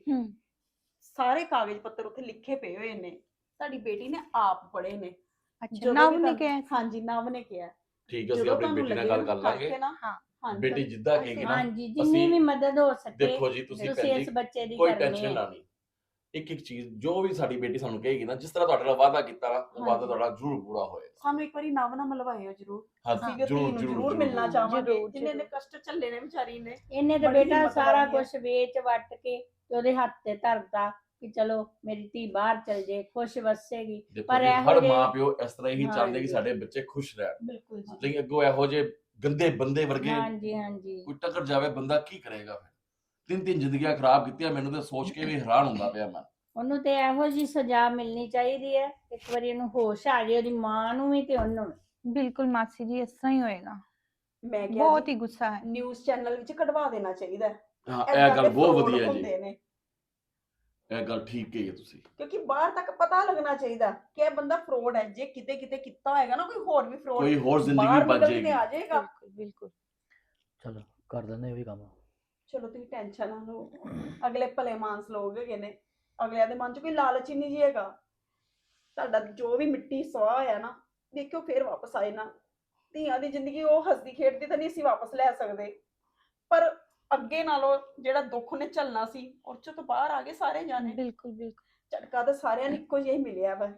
Speaker 2: ਸਾਰੇ ਕਾਗਜ਼ ਪੱਤਰ ਉੱਥੇ ਲਿਖੇ ਪਏ ਹੋਏ ਨੇ, ਸਾਡੀ ਬੇਟੀ ਨੇ ਆਪ ਪੜ੍ਹੇ ਨੇ।
Speaker 5: ਅੱਛਾ,
Speaker 2: ਜਦੋਂ
Speaker 5: ਨਵ
Speaker 2: ਵੀ
Speaker 5: ਨੇ
Speaker 2: ਤੁਹਾਨੂੰ-
Speaker 5: ਕਿਹਾ ਸੀ?
Speaker 2: ਹਾਂਜੀ, ਨਵ ਨੇ ਕਿਹਾ।
Speaker 4: ਠੀਕ ਹੈ, ਅਸੀਂ
Speaker 2: ਜਦੋਂ
Speaker 4: ਆਪਣੀ
Speaker 2: ਤੁਹਾਨੂੰ
Speaker 4: ਬੇਟੀ ਨਾਲ
Speaker 2: ਲੱਗੇ
Speaker 4: ਗੱਲ ਕਰ ਲਾਂਗੇ।
Speaker 2: ਕਰਕੇ ਨਾ,
Speaker 5: ਹਾਂ।
Speaker 2: ਹਾਂਜੀ,
Speaker 4: ਬੇਟੀ ਜਿੱਦਾਂ ਕਹੇਗੀ ਨਾ,
Speaker 3: ਹਾਂਜੀ, ਜਿੰਨੀ
Speaker 4: ਅਸੀਂ-
Speaker 3: ਵੀ ਮਦਦ ਹੋ ਸਕੇ
Speaker 4: ਦੇਖੋ ਜੀ, ਤੁਸੀਂ
Speaker 3: ਤੁਸੀਂ
Speaker 4: ਭੈਣ
Speaker 3: ਇਸ
Speaker 4: ਜੀ
Speaker 3: ਬੱਚੇ ਦੀ
Speaker 4: ਕੋਈ
Speaker 3: ਕਰਨੀ
Speaker 4: ਟੈਨਸ਼ਨ
Speaker 3: ਹੈ।
Speaker 4: ਨਾ ਲਈ। ਇੱਕ ਇੱਕ ਚੀਜ਼ ਜੋ ਵੀ ਸਾਡੀ ਬੇਟੀ ਸਾਨੂੰ ਕਹੇਗੀ ਨਾ, ਜਿਸ ਤਰ੍ਹਾਂ ਤੁਹਾਡੇ ਨਾਲ ਵਾਅਦਾ ਕੀਤਾ ਨਾ, ਉਹ ਵਾਅਦਾ
Speaker 2: ਹਾਂਜੀ।
Speaker 4: ਤੁਹਾਡਾ ਜ਼ਰੂਰ ਪੂਰਾ ਹੋਏਗਾ।
Speaker 2: ਸਾਨੂੰ ਇੱਕ ਵਾਰੀ ਨਵ ਨਾਲ ਮਿਲਵਾਇਓ ਜ਼ਰੂਰ।
Speaker 4: ਹਾਂ,
Speaker 2: ਅਸੀਂ ਵੀ ਧੀ
Speaker 4: ਜ਼ਰੂਰ
Speaker 2: ਨੂੰ
Speaker 4: ਜ਼ਰੂਰ
Speaker 2: ਜ਼ਰੂਰ ਮਿਲਣਾ
Speaker 3: ਜ਼ਰੂਰ,
Speaker 2: ਚਾਹਾਂਗੇ,
Speaker 5: ਜ਼ਰੂਰ,
Speaker 2: ਜਿੰਨੇ ਨੇ
Speaker 5: ਜ਼ਰੂਰ।
Speaker 2: ਕਸ਼ਟ ਝੱਲੇ ਨੇ ਵਿਚਾਰੀ ਨੇ।
Speaker 3: ਇਹਨੇ ਤਾਂ
Speaker 2: ਬੜੀ
Speaker 3: ਬੇਟਾ
Speaker 2: ਹਿੰਮਤ
Speaker 3: ਸਾਰਾ
Speaker 2: ਵਾਲੀ ਹੈ।
Speaker 3: ਕੁਝ ਵੇਚ ਵੱਟ ਕੇ ਤੇ ਉਹਦੇ ਹੱਥ ਤੇ ਧਰਤਾ ਕਿ ਚਲੋ ਮੇਰੀ ਧੀ ਬਾਹਰ ਚਲ ਜੇ, ਖੁਸ਼ ਵਸੇਗੀ।
Speaker 4: ਦੇਖੋ
Speaker 3: ਪਰ
Speaker 4: ਜੀ,
Speaker 3: ਇਹੋ
Speaker 4: ਹਰ
Speaker 3: ਜਿਹੇ-
Speaker 4: ਮਾਂ ਪਿਓ ਇਸ ਤਰ੍ਹਾਂ ਹੀ ਚਾਹੁੰਦੇ ਕਿ
Speaker 3: ਹਾਂਜੀ।
Speaker 4: ਸਾਡੇ ਬੱਚੇ ਖੁਸ਼ ਰਹਿਣ,
Speaker 2: ਬਿਲਕੁਲ ਜੀ।
Speaker 4: ਲੇਕਿਨ ਅੱਗੋਂ ਇਹੋ ਜਿਹੇ ਗੰਦੇ ਬੰਦੇ ਵਰਗੇ
Speaker 3: ਹਾਂਜੀ ਹਾਂਜੀ
Speaker 4: ਕੋਈ ਟੱਕਰ ਜਾਵੇ, ਬੰਦਾ ਕੀ ਕਰੇਗਾ ਫਿਰ? ਤਿੰਨ ਤਿੰਨ ਜ਼ਿੰਦਗੀਆਂ ਖਰਾਬ ਕੀਤੀਆਂ, ਮੈਨੂੰ ਤਾਂ ਸੋਚ ਕੇ ਵੀ ਹੈਰਾਨ ਹੁੰਦਾ ਪਿਆ ਮੈਂ।
Speaker 3: ਉਹਨੂੰ ਤੇ ਇਹੋ ਜੀ ਸਜ਼ਾ ਮਿਲਣੀ ਚਾਹੀਦੀ ਹੈ, ਇੱਕ ਵਾਰੀ ਇਹਨੂੰ ਹੋਸ਼ ਆ ਜਾਏ, ਉਹਦੀ ਮਾਂ ਨੂੰ ਵੀ ਤੇ ਉਹਨੂੰ ਵੀ।
Speaker 5: ਬਿਲਕੁਲ ਮਾਸੀ ਜੀ, ਇਸ ਤਰ੍ਹਾਂ ਹੀ ਹੋਏਗਾ।
Speaker 2: ਮੈਂ ਕਿਹਾ
Speaker 5: ਬਹੁਤ
Speaker 2: ਜੀ,
Speaker 5: ਹੀ ਗੁੱਸਾ ਹੈ।
Speaker 2: ਨਿਊਜ਼ ਚੈਨਲ ਵਿੱਚ ਕਢਵਾ ਦੇਣਾ ਚਾਹੀਦਾ ਹੈ।
Speaker 4: ਹਾਂ,
Speaker 2: ਏਦਾਂ
Speaker 4: ਇਹ ਗੱਲ
Speaker 2: ਦੇ
Speaker 4: ਬਹੁਤ
Speaker 2: fraud
Speaker 4: ਵਧੀਆ ਜੀ,
Speaker 2: ਹੁੰਦੇ ਨੇ,
Speaker 4: ਇਹ ਗੱਲ ਠੀਕ ਕਹੀ ਹੈ ਤੁਸੀਂ।
Speaker 2: ਕਿਉਂਕਿ ਬਾਹਰ ਤੱਕ ਪਤਾ ਲੱਗਣਾ ਚਾਹੀਦਾ ਕਿ ਇਹ ਬੰਦਾ ਫਰੋਡ ਹੈ। ਜੇ ਕਿਤੇ ਕਿਤੇ ਕੀਤਾ ਹੋਏਗਾ ਨਾ ਕੋਈ ਹੋਰ ਵੀ ਫਰੋਡ,
Speaker 4: ਕੋਈ ਹੋਰ ਜ਼ਿੰਦਗੀ
Speaker 2: ਬਾਹਰ
Speaker 4: ਬਚ
Speaker 2: ਨਿਕਲ ਕੇ
Speaker 4: ਜਾਏਗੀ।
Speaker 2: ਆ ਜਾਏਗਾ।
Speaker 5: ਬਿਲਕੁਲ ਬਿਲਕੁਲ।
Speaker 1: ਚਲੋ ਕਰ ਦਿੰਦੇ ਇਹ ਵੀ ਕੰਮ।
Speaker 2: ਚਲੋ ਤੁਸੀਂ ਟੈਨਸ਼ਨ ਨਾ ਲਓ, ਅਗਲੇ ਭਲੇ ਮਾਨਸ ਲੋਕ ਹੈਗੇ ਨੇ, ਅਗਲਿਆਂ ਦੇ ਮਨ 'ਚ ਕੋਈ ਲਾਲਚ ਹੀ ਨਹੀਂ ਜੀ ਹੈਗਾ। ਤੁਹਾਡਾ ਜੋ ਵੀ ਮਿੱਟੀ ਸਵਾਹ ਹੋਇਆ ਨਾ, ਦੇਖਿਓ ਫੇਰ ਵਾਪਸ ਆਏ ਨਾ। ਧੀਆਂ ਦੀ ਜ਼ਿੰਦਗੀ ਉਹ ਹੱਸਦੀ ਖੇਡਦੀ ਤਾਂ ਨਹੀਂ ਅਸੀਂ ਵਾਪਸ ਲੈ ਸਕਦੇ, ਪਰ ਅੱਗੇ ਨਾਲੋਂ ਜਿਹੜਾ ਦੁੱਖ ਨੇ ਝੱਲਣਾ ਸੀ, ਉਹ 'ਚੋਂ ਤਾਂ ਬਾਹਰ ਆ ਗਏ ਸਾਰੇ ਜਾਣੇ।
Speaker 5: ਬਿਲਕੁਲ ਬਿਲਕੁਲ।
Speaker 2: ਝਟਕਾ ਤਾਂ ਸਾਰਿਆਂ ਨੂੰ ਇੱਕੋ ਜਿਹਾ ਹੀ ਮਿਲਿਆ ਵਾ।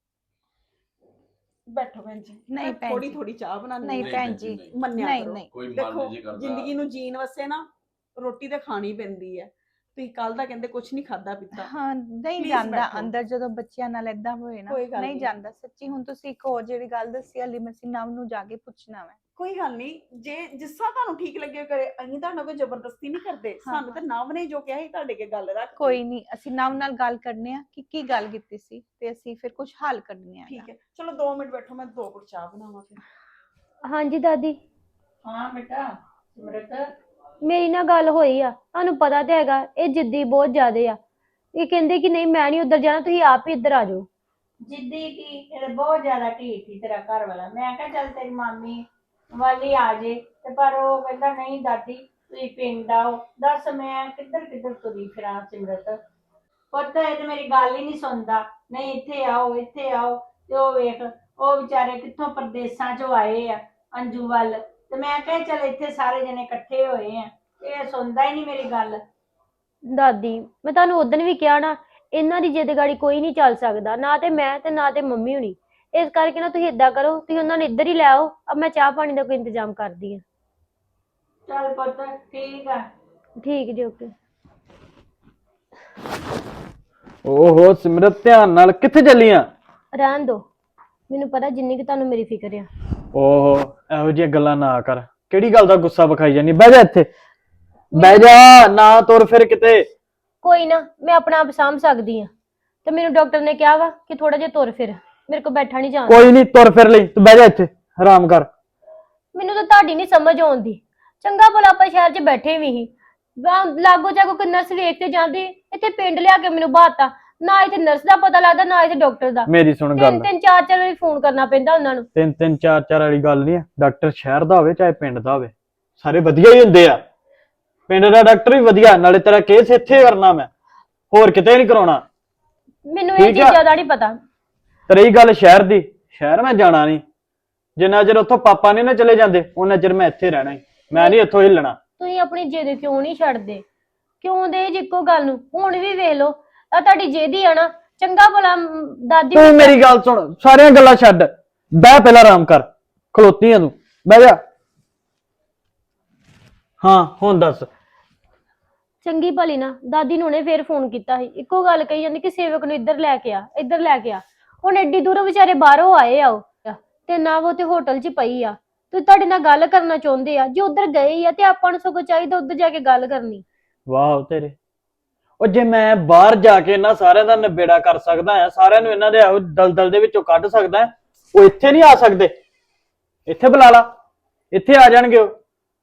Speaker 2: ਬੈਠੋ ਭੈਣ ਜੀ,
Speaker 5: ਨਹੀਂ ਭੈਣ
Speaker 2: ਥੋੜੀ
Speaker 5: ਜੀ।
Speaker 2: ਥੋੜੀ ਚਾਹ ਬਣਾਉਣੀ
Speaker 5: ਨਹੀਂ
Speaker 2: ਹੈ।
Speaker 5: ਭੈਣ ਜੀ,
Speaker 4: ਨਹੀਂ,
Speaker 2: ਮੰਨਿਆ
Speaker 5: ਨਹੀਂ
Speaker 2: ਕਰੋ।
Speaker 5: ਨਹੀਂ।
Speaker 4: ਕੋਈ ਮਨ
Speaker 2: ਦੇਖੋ,
Speaker 4: ਨਹੀਂ ਜੀ ਕਰਦਾ।
Speaker 2: ਜ਼ਿੰਦਗੀ ਨੂੰ ਜੀਣ ਵਾਸਤੇ ਨਾ ਰੋਟੀ ਤਾਂ ਖਾਣੀ ਪੈਂਦੀ ਹੈ। ਤੁਸੀਂ ਕੱਲ ਦਾ ਕਹਿੰਦੇ ਕੁਝ ਨਹੀਂ ਖਾਦਾ ਪੀਤਾ।
Speaker 5: ਹਾਂ, ਨਹੀਂ
Speaker 2: Please
Speaker 5: ਜਾਂਦਾ
Speaker 2: ਬੈਠੋ।
Speaker 5: ਅੰਦਰ ਜਦੋਂ ਬੱਚਿਆਂ ਨਾਲ ਏਦਾਂ ਹੋਏ ਨਾ,
Speaker 2: ਕੋਈ ਗੱਲ
Speaker 5: ਨਹੀਂ
Speaker 2: ਨਹੀਂ।
Speaker 5: ਜਾਂਦਾ ਸੱਚੀ। ਹੁਣ ਤੁਸੀਂ ਇੱਕ ਹੋਰ ਜਿਹੜੀ ਗੱਲ ਦੱਸੀ, ਹਲੀ ਮੈਂ ਨਵ ਨੂੰ ਜਾ ਕੇ ਪੁੱਛਣਾ ਵਾ।
Speaker 2: ਕੋਈ ਗੱਲ ਨਹੀਂ, ਜੇ ਜਿਸ ਤਰ੍ਹਾਂ ਤੁਹਾਨੂੰ ਠੀਕ ਲੱਗੇ ਕਰੇ। ਅਸੀਂ ਤੁਹਾਡਾ ਕੋਈ ਜ਼ਬਰਦਸਤੀ ਨਹੀਂ ਕਰਦੇ।
Speaker 5: ਹਾਂ,
Speaker 2: ਸਾਨੂੰ ਤਾਂ ਨਵ ਨੇ ਜੋ ਕਿਹਾ ਸੀ ਤੁਹਾਡੇ ਕੇ ਗੱਲ ਰੱਖ
Speaker 5: ਕੋਈ ਨਹੀਂ, ਅਸੀਂ ਨਵ ਨਾਲ ਗੱਲ ਕਰਨੇ ਆ ਕਿ ਕੀ ਗੱਲ ਕੀਤੀ ਸੀ, ਤੇ ਅਸੀਂ ਫਿਰ ਕੁਝ ਹੱਲ ਕਰਨੇ ਆ।
Speaker 2: ਠੀਕ ਹੈ, ਚਲੋ 2 ਮਿੰਟ ਬੈਠੋ, ਮੈਂ 2 ਘੁੱਟ ਚਾਹ ਬਣਾਵਾਂ ਫਿਰ।
Speaker 6: ਹਾਂਜੀ ਦਾਦੀ,
Speaker 3: ਹਾਂ ਬੇਟਾ ਸਿਮਰਤ,
Speaker 6: ਮੇਰੀ ਨਾਲ ਗੱਲ ਹੋਈ ਆ। ਤੁਹਾਨੂੰ ਪਤਾ ਤੇ ਹੈਗਾ ਇਹ ਜਿੱਦੀ ਬਹੁਤ ਜ਼ਿਆਦੇ ਆ। ਇਹ ਕਹਿੰਦੇ ਕਿ ਨਹੀਂ ਮੈਂ ਨਹੀਂ ਉੱਧਰ ਜਾਣਾ, ਤੁਸੀਂ ਆਪ ਹੀ ਇੱਧਰ ਆ ਜਾਓ।
Speaker 3: ਜਿੱਦੀ ਕੀ ਇਹ ਤਾਂ ਬਹੁਤ ਜ਼ਿਆਦਾ ਢੀਠ ਸੀ ਤੇਰਾ ਘਰ ਵਾਲਾ। ਮੈਂ ਕਿਹਾ ਚੱਲ ਤੇਰੀ ਮਾਮੀ ਵਾਲੀ ਆ ਜੇ, ਤੇ ਪਰ ਉਹ ਕਹਿੰਦਾ ਨਹੀਂ ਦਾਦੀ ਤੁਸੀਂ ਪਿੰਡ ਆਓ। ਦੱਸ ਮੈਂ ਕਿੱਧਰ ਕਿੱਧਰ ਤੁਰੀ ਫਿਰਾਂ ਸਿਮਰਤ। ਪੁੱਤ ਇਹ ਤੇ ਮੇਰੀ ਗੱਲ ਹੀ ਨਹੀਂ ਸੁਣਦਾ। ਨਹੀਂ ਇੱਥੇ ਆਓ ਇੱਥੇ ਆਓ, ਤੇ ਉਹ ਵੇਖ ਉਹ ਵਿਚਾਰੇ ਕਿੱਥੋਂ ਪਰਦੇਸਾਂ ਚੋਂ ਆਏ ਆ ਅੰਜੂ ਵੱਲ, ਤੇ ਮੈਂ ਕਿਹਾ ਚੱਲ ਇੱਥੇ ਸਾਰੇ ਜਣੇ ਇਕੱਠੇ ਹੋਏ ਆ, ਇਹ ਸੁਣਦਾ ਹੀ ਨਹੀਂ ਮੇਰੀ ਗੱਲ।
Speaker 6: ਦਾਦੀ ਮੈਂ ਤੁਹਾਨੂੰ ਉਦੋਂ ਵੀ ਕਿਹਾ ਨਾ, ਇਹਨਾਂ ਦੀ ਜਿੱਦ ਗਾੜੀ ਕੋਈ ਨਹੀਂ ਚੱਲ ਸਕਦਾ, ਨਾ ਤੇ ਮੈਂ ਤੇ ਨਾ ਤੇ ਮੰਮੀ ਹੁਣੀ। ਇਸ ਕਰਕੇ ਨਾ ਤੁਸੀਂ ਏਦਾਂ ਕਰੋ, ਤੁਸੀਂ ਉਹਨਾਂ ਨੂੰ ਇੱਧਰ ਹੀ ਲੈ ਆਓ। ਅਬ ਮੈਂ ਚਾਹ ਪਾਣੀ ਦਾ ਕੋਈ ਇੰਤਜ਼ਾਮ ਕਰਦੀ ਹਾਂ।
Speaker 3: ਚੱਲ ਪੁੱਤ ਠੀਕ ਆ।
Speaker 6: ਠੀਕ ਜੀ, ਓਕੇ।
Speaker 7: ਓਹੋ ਸਿਮਰਤ, ਧਿਆਨ ਨਾਲ ਕਿੱਥੇ ਚੱਲੀਆਂ?
Speaker 6: ਰਹਿਣ ਦੋ, ਮੈਨੂੰ ਪਤਾ ਜਿੰਨੀ ਕਿ ਤੁਹਾਨੂੰ ਮੇਰੀ ਫਿਕਰ ਆ।
Speaker 7: ਓਹੋ, ਇਹੋ ਜਿਹੀਆਂ ਗੱਲਾਂ ਨਾ ਕਰ। ਕਿਹੜੀ ਗੱਲ ਦਾ ਗੁੱਸਾ ਵਿਖਾਈ ਜਾਨੀ? ਬਹਿ ਜਾ ਇੱਥੇ, ਬਹਿ ਜਾ, ਨਾ ਤੁਰ ਫਿਰ ਕਿਤੇ।
Speaker 6: ਕੋਈ ਨਾ, ਮੈਂ ਆਪਣਾ ਆਪ ਸਾਂਭ ਸਕਦੀ ਹਾਂ। ਤੇ ਮੈਨੂੰ ਡਾਕਟਰ ਨੇ ਕਿਹਾ ਵਾ ਕਿ ਥੋੜਾ ਜਿਹਾ ਤੁਰ ਫਿਰ, ਮੇਰੇ ਕੋਲ ਬੈਠਾ ਨਹੀਂ ਜਾਂਦਾ।
Speaker 7: ਕੋਈ ਨਹੀਂ, ਤੁਰ ਫਿਰ ਲਈ, ਤੂੰ ਬਹਿ ਜਾ ਇੱਥੇ, ਆਰਾਮ ਕਰ।
Speaker 6: ਮੈਨੂੰ ਤਾਂ ਤੁਹਾਡੀ ਨਹੀਂ ਸਮਝ ਆਉਂਦੀ। ਚੰਗਾ ਭਲਾ ਆਪਾਂ ਸ਼ਹਿਰ 'ਚ ਬੈਠੇ ਵੀ ਸੀ, ਲਾਗੋ ਚਾਗੋ ਕੋਈ ਨਰਸ ਵੇਖ ਤੇ ਜਾਂਦੀ, ਇੱਥੇ ਪਿੰਡ ਲਿਆ ਕੇ ਮੈਨੂੰ ਬਾਤਾ। ਨਾ ਇੱਥੇ ਨਰਸ ਦਾ ਪਤਾ ਲੱਗਦਾ, ਨਾ ਇੱਥੇ ਡਾਕਟਰ ਦਾ।
Speaker 7: ਮੇਰੀ ਸੁਣ ਗੱਲ,
Speaker 6: 3-3 4-4 ਵਾਰੀ ਫੋਨ ਕਰਨਾ ਪੈਂਦਾ ਉਹਨਾਂ ਨੂੰ।
Speaker 7: 3-3 4-4 ਵਾਲੀ ਗੱਲ ਨਹੀਂ ਆ। ਡਾਕਟਰ ਸ਼ਹਿਰ ਦਾ ਹੋਵੇ ਚਾਹੇ ਪਿੰਡ ਦਾ ਹੋਵੇ, ਸਾਰੇ ਵਧੀਆ ਹੀ ਹੁੰਦੇ ਆ। ਪਿੰਡ ਦਾ ਡਾਕਟਰ ਵੀ ਵਧੀਆ, ਨਾਲੇ ਤੇਰਾ ਕੇਸ ਇੱਥੇ ਕਰਨਾ, ਮੈਂ ਹੋਰ ਕਿਤੇ ਨਹੀਂ ਕਰਾਉਣਾ।
Speaker 6: ਮੈਨੂੰ ਇਹ
Speaker 7: ਠੀਕ ਆ।
Speaker 6: ਚੀਜ਼ਾਂ ਦਾ ਨਹੀਂ ਪਤਾ।
Speaker 7: ਤੇ ਰਹੀ ਗੱਲ ਸ਼ਹਿਰ ਦੀ, ਸ਼ਹਿਰ ਮੈਂ ਜਾਣਾ ਨਹੀਂ। ਜਿੰਨਾ ਚਿਰ ਉੱਥੋਂ ਪਾਪਾ ਨਹੀਂ ਨਾ ਚਲੇ ਜਾਂਦੇ, ਉਹਨਾਂ ਚਿਰ ਮੈਂ ਇੱਥੇ ਰਹਿਣਾ ਹੀ। ਮੈਂ ਨਹੀਂ ਇੱਥੋਂ ਹਿੱਲਣਾ।
Speaker 6: ਤੁਸੀਂ ਆਪਣੀ ਜਿੱਦ ਕਿਉਂ ਨਹੀਂ ਛੱਡਦੇ? ਕਿਉਂ ਦੇ ਇੱਕੋ ਗੱਲ ਨੂੰ? ਹੁਣ ਵੀ ਵੇਖ ਲਓ, ਆ ਤੁਹਾਡੀ ਜਿੱਦ ਹੀ ਆ ਨਾ। ਚੰਗਾ ਭਲਾ ਦਾਦੀ
Speaker 7: ਤੂੰ ਮੇਰੀ ਗੱਲ ਸੁਣ, ਸਾਰੀਆਂ ਗੱਲਾਂ ਛੱਡ, ਬਹਿ ਪਹਿਲਾਂ, ਆਰਾਮ ਕਰ। ਖਲੋਤੀ ਆ ਤੂੰ, ਬਹਿ ਜਾ। ਹਾਂ ਹੁਣ ਦੱਸ।
Speaker 6: ਚੰਗੀ ਭਲੀ ਨਾ ਦਾਦੀ ਨੂੰ ਉਹਨੇ ਫੇਰ ਫੋਨ ਕੀਤਾ ਸੀ, ਇੱਕੋ ਗੱਲ ਕਹੀ ਜਾਂਦੀ ਕਿ ਸੇਵਕ ਨੂੰ ਇੱਧਰ ਲੈ ਕੇ ਆ, ਇੱਧਰ ਲੈ ਕੇ ਆ। ਹੁਣ ਐਡੀ ਦੂਰੋਂ ਵਿਚਾਰੇ ਬਾਹਰੋਂ ਆਏ ਆ ਉਹ, ਤੇ ਨਾ ਉਹ ਤੇ ਹੋਟਲ 'ਚ ਪਈ ਆ, ਤੇ ਤੁਹਾਡੇ ਨਾਲ ਗੱਲ ਕਰਨਾ ਚਾਹੁੰਦੇ ਆ। ਜੇ ਉੱਧਰ ਗਏ ਆ ਤੇ ਆਪਾਂ ਨੂੰ ਸਗੋਂ ਚਾਹੀਦਾ ਉੱਧਰ ਜਾ ਕੇ ਗੱਲ ਕਰਨੀ।
Speaker 7: ਵਾਹ ਤੇਰੇ, ਉਹ ਜੇ ਮੈਂ ਬਾਹਰ ਜਾ ਕੇ ਇਹਨਾਂ ਸਾਰਿਆਂ ਦਾ ਨਿਬੇੜਾ ਕਰ ਸਕਦਾ ਆ, ਸਾਰਿਆਂ ਨੂੰ ਇਹਨਾਂ ਦੇ ਇਹੋ ਦਲਦਲ ਦੇ ਵਿੱਚੋਂ ਕੱਢ ਸਕਦਾ, ਉਹ ਇੱਥੇ ਨਹੀਂ ਆ ਸਕਦੇ? ਇੱਥੇ ਬੁਲਾ ਲਾ, ਇੱਥੇ ਆ ਜਾਣਗੇ ਉਹ।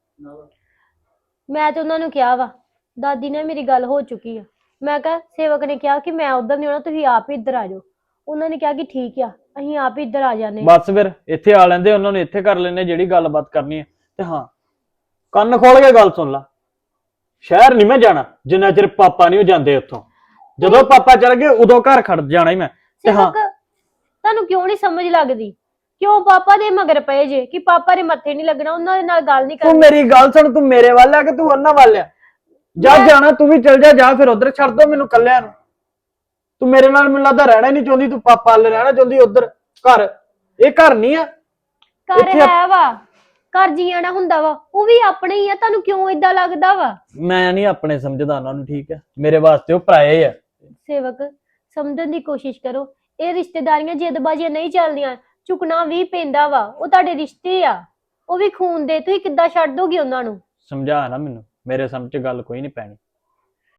Speaker 6: ਮੈਂ ਤੇ ਉਹਨਾਂ ਨੂੰ ਕਿਹਾ ਵਾ, ਦਾਦੀ ਨਾਲ ਮੇਰੀ ਗੱਲ ਹੋ ਚੁੱਕੀ ਆ। ਮੈਂ ਕਿਹਾ ਸੇਵਕ ਨੇ ਕਿਹਾ ਕਿ ਮੈਂ ਉੱਧਰ ਨਹੀਂ ਆਉਣਾ, ਤੁਸੀਂ ਆਪ ਹੀ ਇੱਧਰ ਆ ਜਾਓ। ਉਹਨਾਂ ਨੇ ਕਿਹਾ ਕਿ ਠੀਕ ਆ, ਅਸੀਂ ਆਪ ਹੀ ਇੱਧਰ ਆ ਜਾਂਦੇ।
Speaker 7: ਬਸ ਫਿਰ ਇੱਥੇ ਆ ਲੈਂਦੇ, ਉਹਨਾਂ ਨੂੰ ਇੱਥੇ ਕਰ ਲੈਂਦੇ ਜਿਹੜੀ ਗੱਲਬਾਤ ਕਰਨੀ ਹੈ। ਤੇ ਹਾਂ, ਕੰਨ ਖੋਲ ਕੇ ਗੱਲ ਸੁਣ ਲਾ, ਸ਼ਹਿਰ ਨਹੀਂ ਮੈਂ ਜਾਣਾ ਜਿੰਨਾ ਚਿਰ ਪਾਪਾ ਨਹੀਂ ਜਾਂਦੇ ਉੱਥੋਂ। ਜਦੋਂ ਪਾਪਾ ਚਲ ਗਏ ਉਦੋਂ ਘਰ ਖੜ ਜਾਣਾ ਹੀ ਮੈਂ। ਤੇ ਹਾਂ,
Speaker 6: ਸੇਵਕ ਤੁਹਾਨੂੰ ਕਿਉਂ ਨਹੀਂ ਸਮਝ ਲੱਗਦੀ? ਕਿਉਂ ਪਾਪਾ ਦੇ ਮਗਰ ਪਏ ਜੇ ਕਿ ਪਾਪਾ ਦੇ ਮੱਥੇ ਨਹੀਂ ਲੱਗਣਾ, ਉਹਨਾਂ ਦੇ ਨਾਲ ਗੱਲ ਨਹੀਂ
Speaker 7: ਤੂੰ
Speaker 6: ਕਰਨੀ?
Speaker 7: ਮੇਰੀ ਗੱਲ ਸੁਣ, ਤੂੰ ਮੇਰੇ ਵੱਲ ਆ ਕਿ ਤੂੰ ਉਹਨਾਂ ਵੱਲ ਆ? ਜਾ ਜਾਣਾ ਤੂੰ ਵੀ ਚਲ ਜਾ ਫਿਰ ਉਧਰ, ਛੱਡ ਦੋ ਮੈਨੂੰ ਕੱਲਿਆਂ ਨੂੰ। ਤੂੰ ਮੇਰੇ ਨਾਲ ਮੈਨੂੰ ਲੱਗਦਾ ਰਹਿਣਾ ਹੀ ਨਹੀਂ ਚਾਹੁੰਦੀ, ਤੂੰ ਪਾਪਾ ਵੱਲ ਰਹਿਣਾ ਚਾਹੁੰਦੀ ਉਧਰ। ਘਰ ਇਹ ਘਰ ਨਹੀਂ ਆ।
Speaker 6: ਘਰ
Speaker 7: ਇੱਥੇ
Speaker 6: ਹੈ ਵਾ, ਘਰ ਜੀਣਾ ਹੁੰਦਾ ਵਾ, ਉਹ ਵੀ ਆਪਣੇ ਹੀ ਆ। ਤੁਹਾਨੂੰ ਕਿਉਂ ਏਦਾਂ ਲੱਗਦਾ ਵਾ?
Speaker 7: ਮੈਂ ਨਹੀਂ ਆਪਣੇ ਸਮਝਦਾ ਉਹਨਾਂ ਨੂੰ, ਠੀਕ ਹੈ? ਮੇਰੇ ਵਾਸਤੇ ਉਹ ਪਰਾਏ ਆ।
Speaker 6: ਸੇਵਕ ਸਮਝਣ ਦੀ ਕੋਸ਼ਿਸ਼ ਕਰੋ, ਇਹ ਰਿਸ਼ਤੇਦਾਰੀਆਂ ਜੇਦਬਾਜ਼ੀਆਂ ਨਹੀਂ ਚੱਲਦੀਆਂ, ਝੁਕਣਾ ਵੀ ਪੈਂਦਾ ਵਾ। ਉਹ ਤੁਹਾਡੇ ਰਿਸ਼ਤੇ ਆ, ਉਹ ਵੀ ਖੂਨ ਦੇ। ਤੁਸੀਂ ਕਿੱਦਾਂ ਛੱਡ ਦੋਗੇ ਉਹਨਾਂ ਨੂੰ?
Speaker 7: ਸਮਝਾ ਨਾ ਮੈਨੂੰ, ਮੇਰੇ ਸਮਝ ਚ ਗੱਲ ਕੋਈ ਨਹੀਂ ਪੈਣੀ।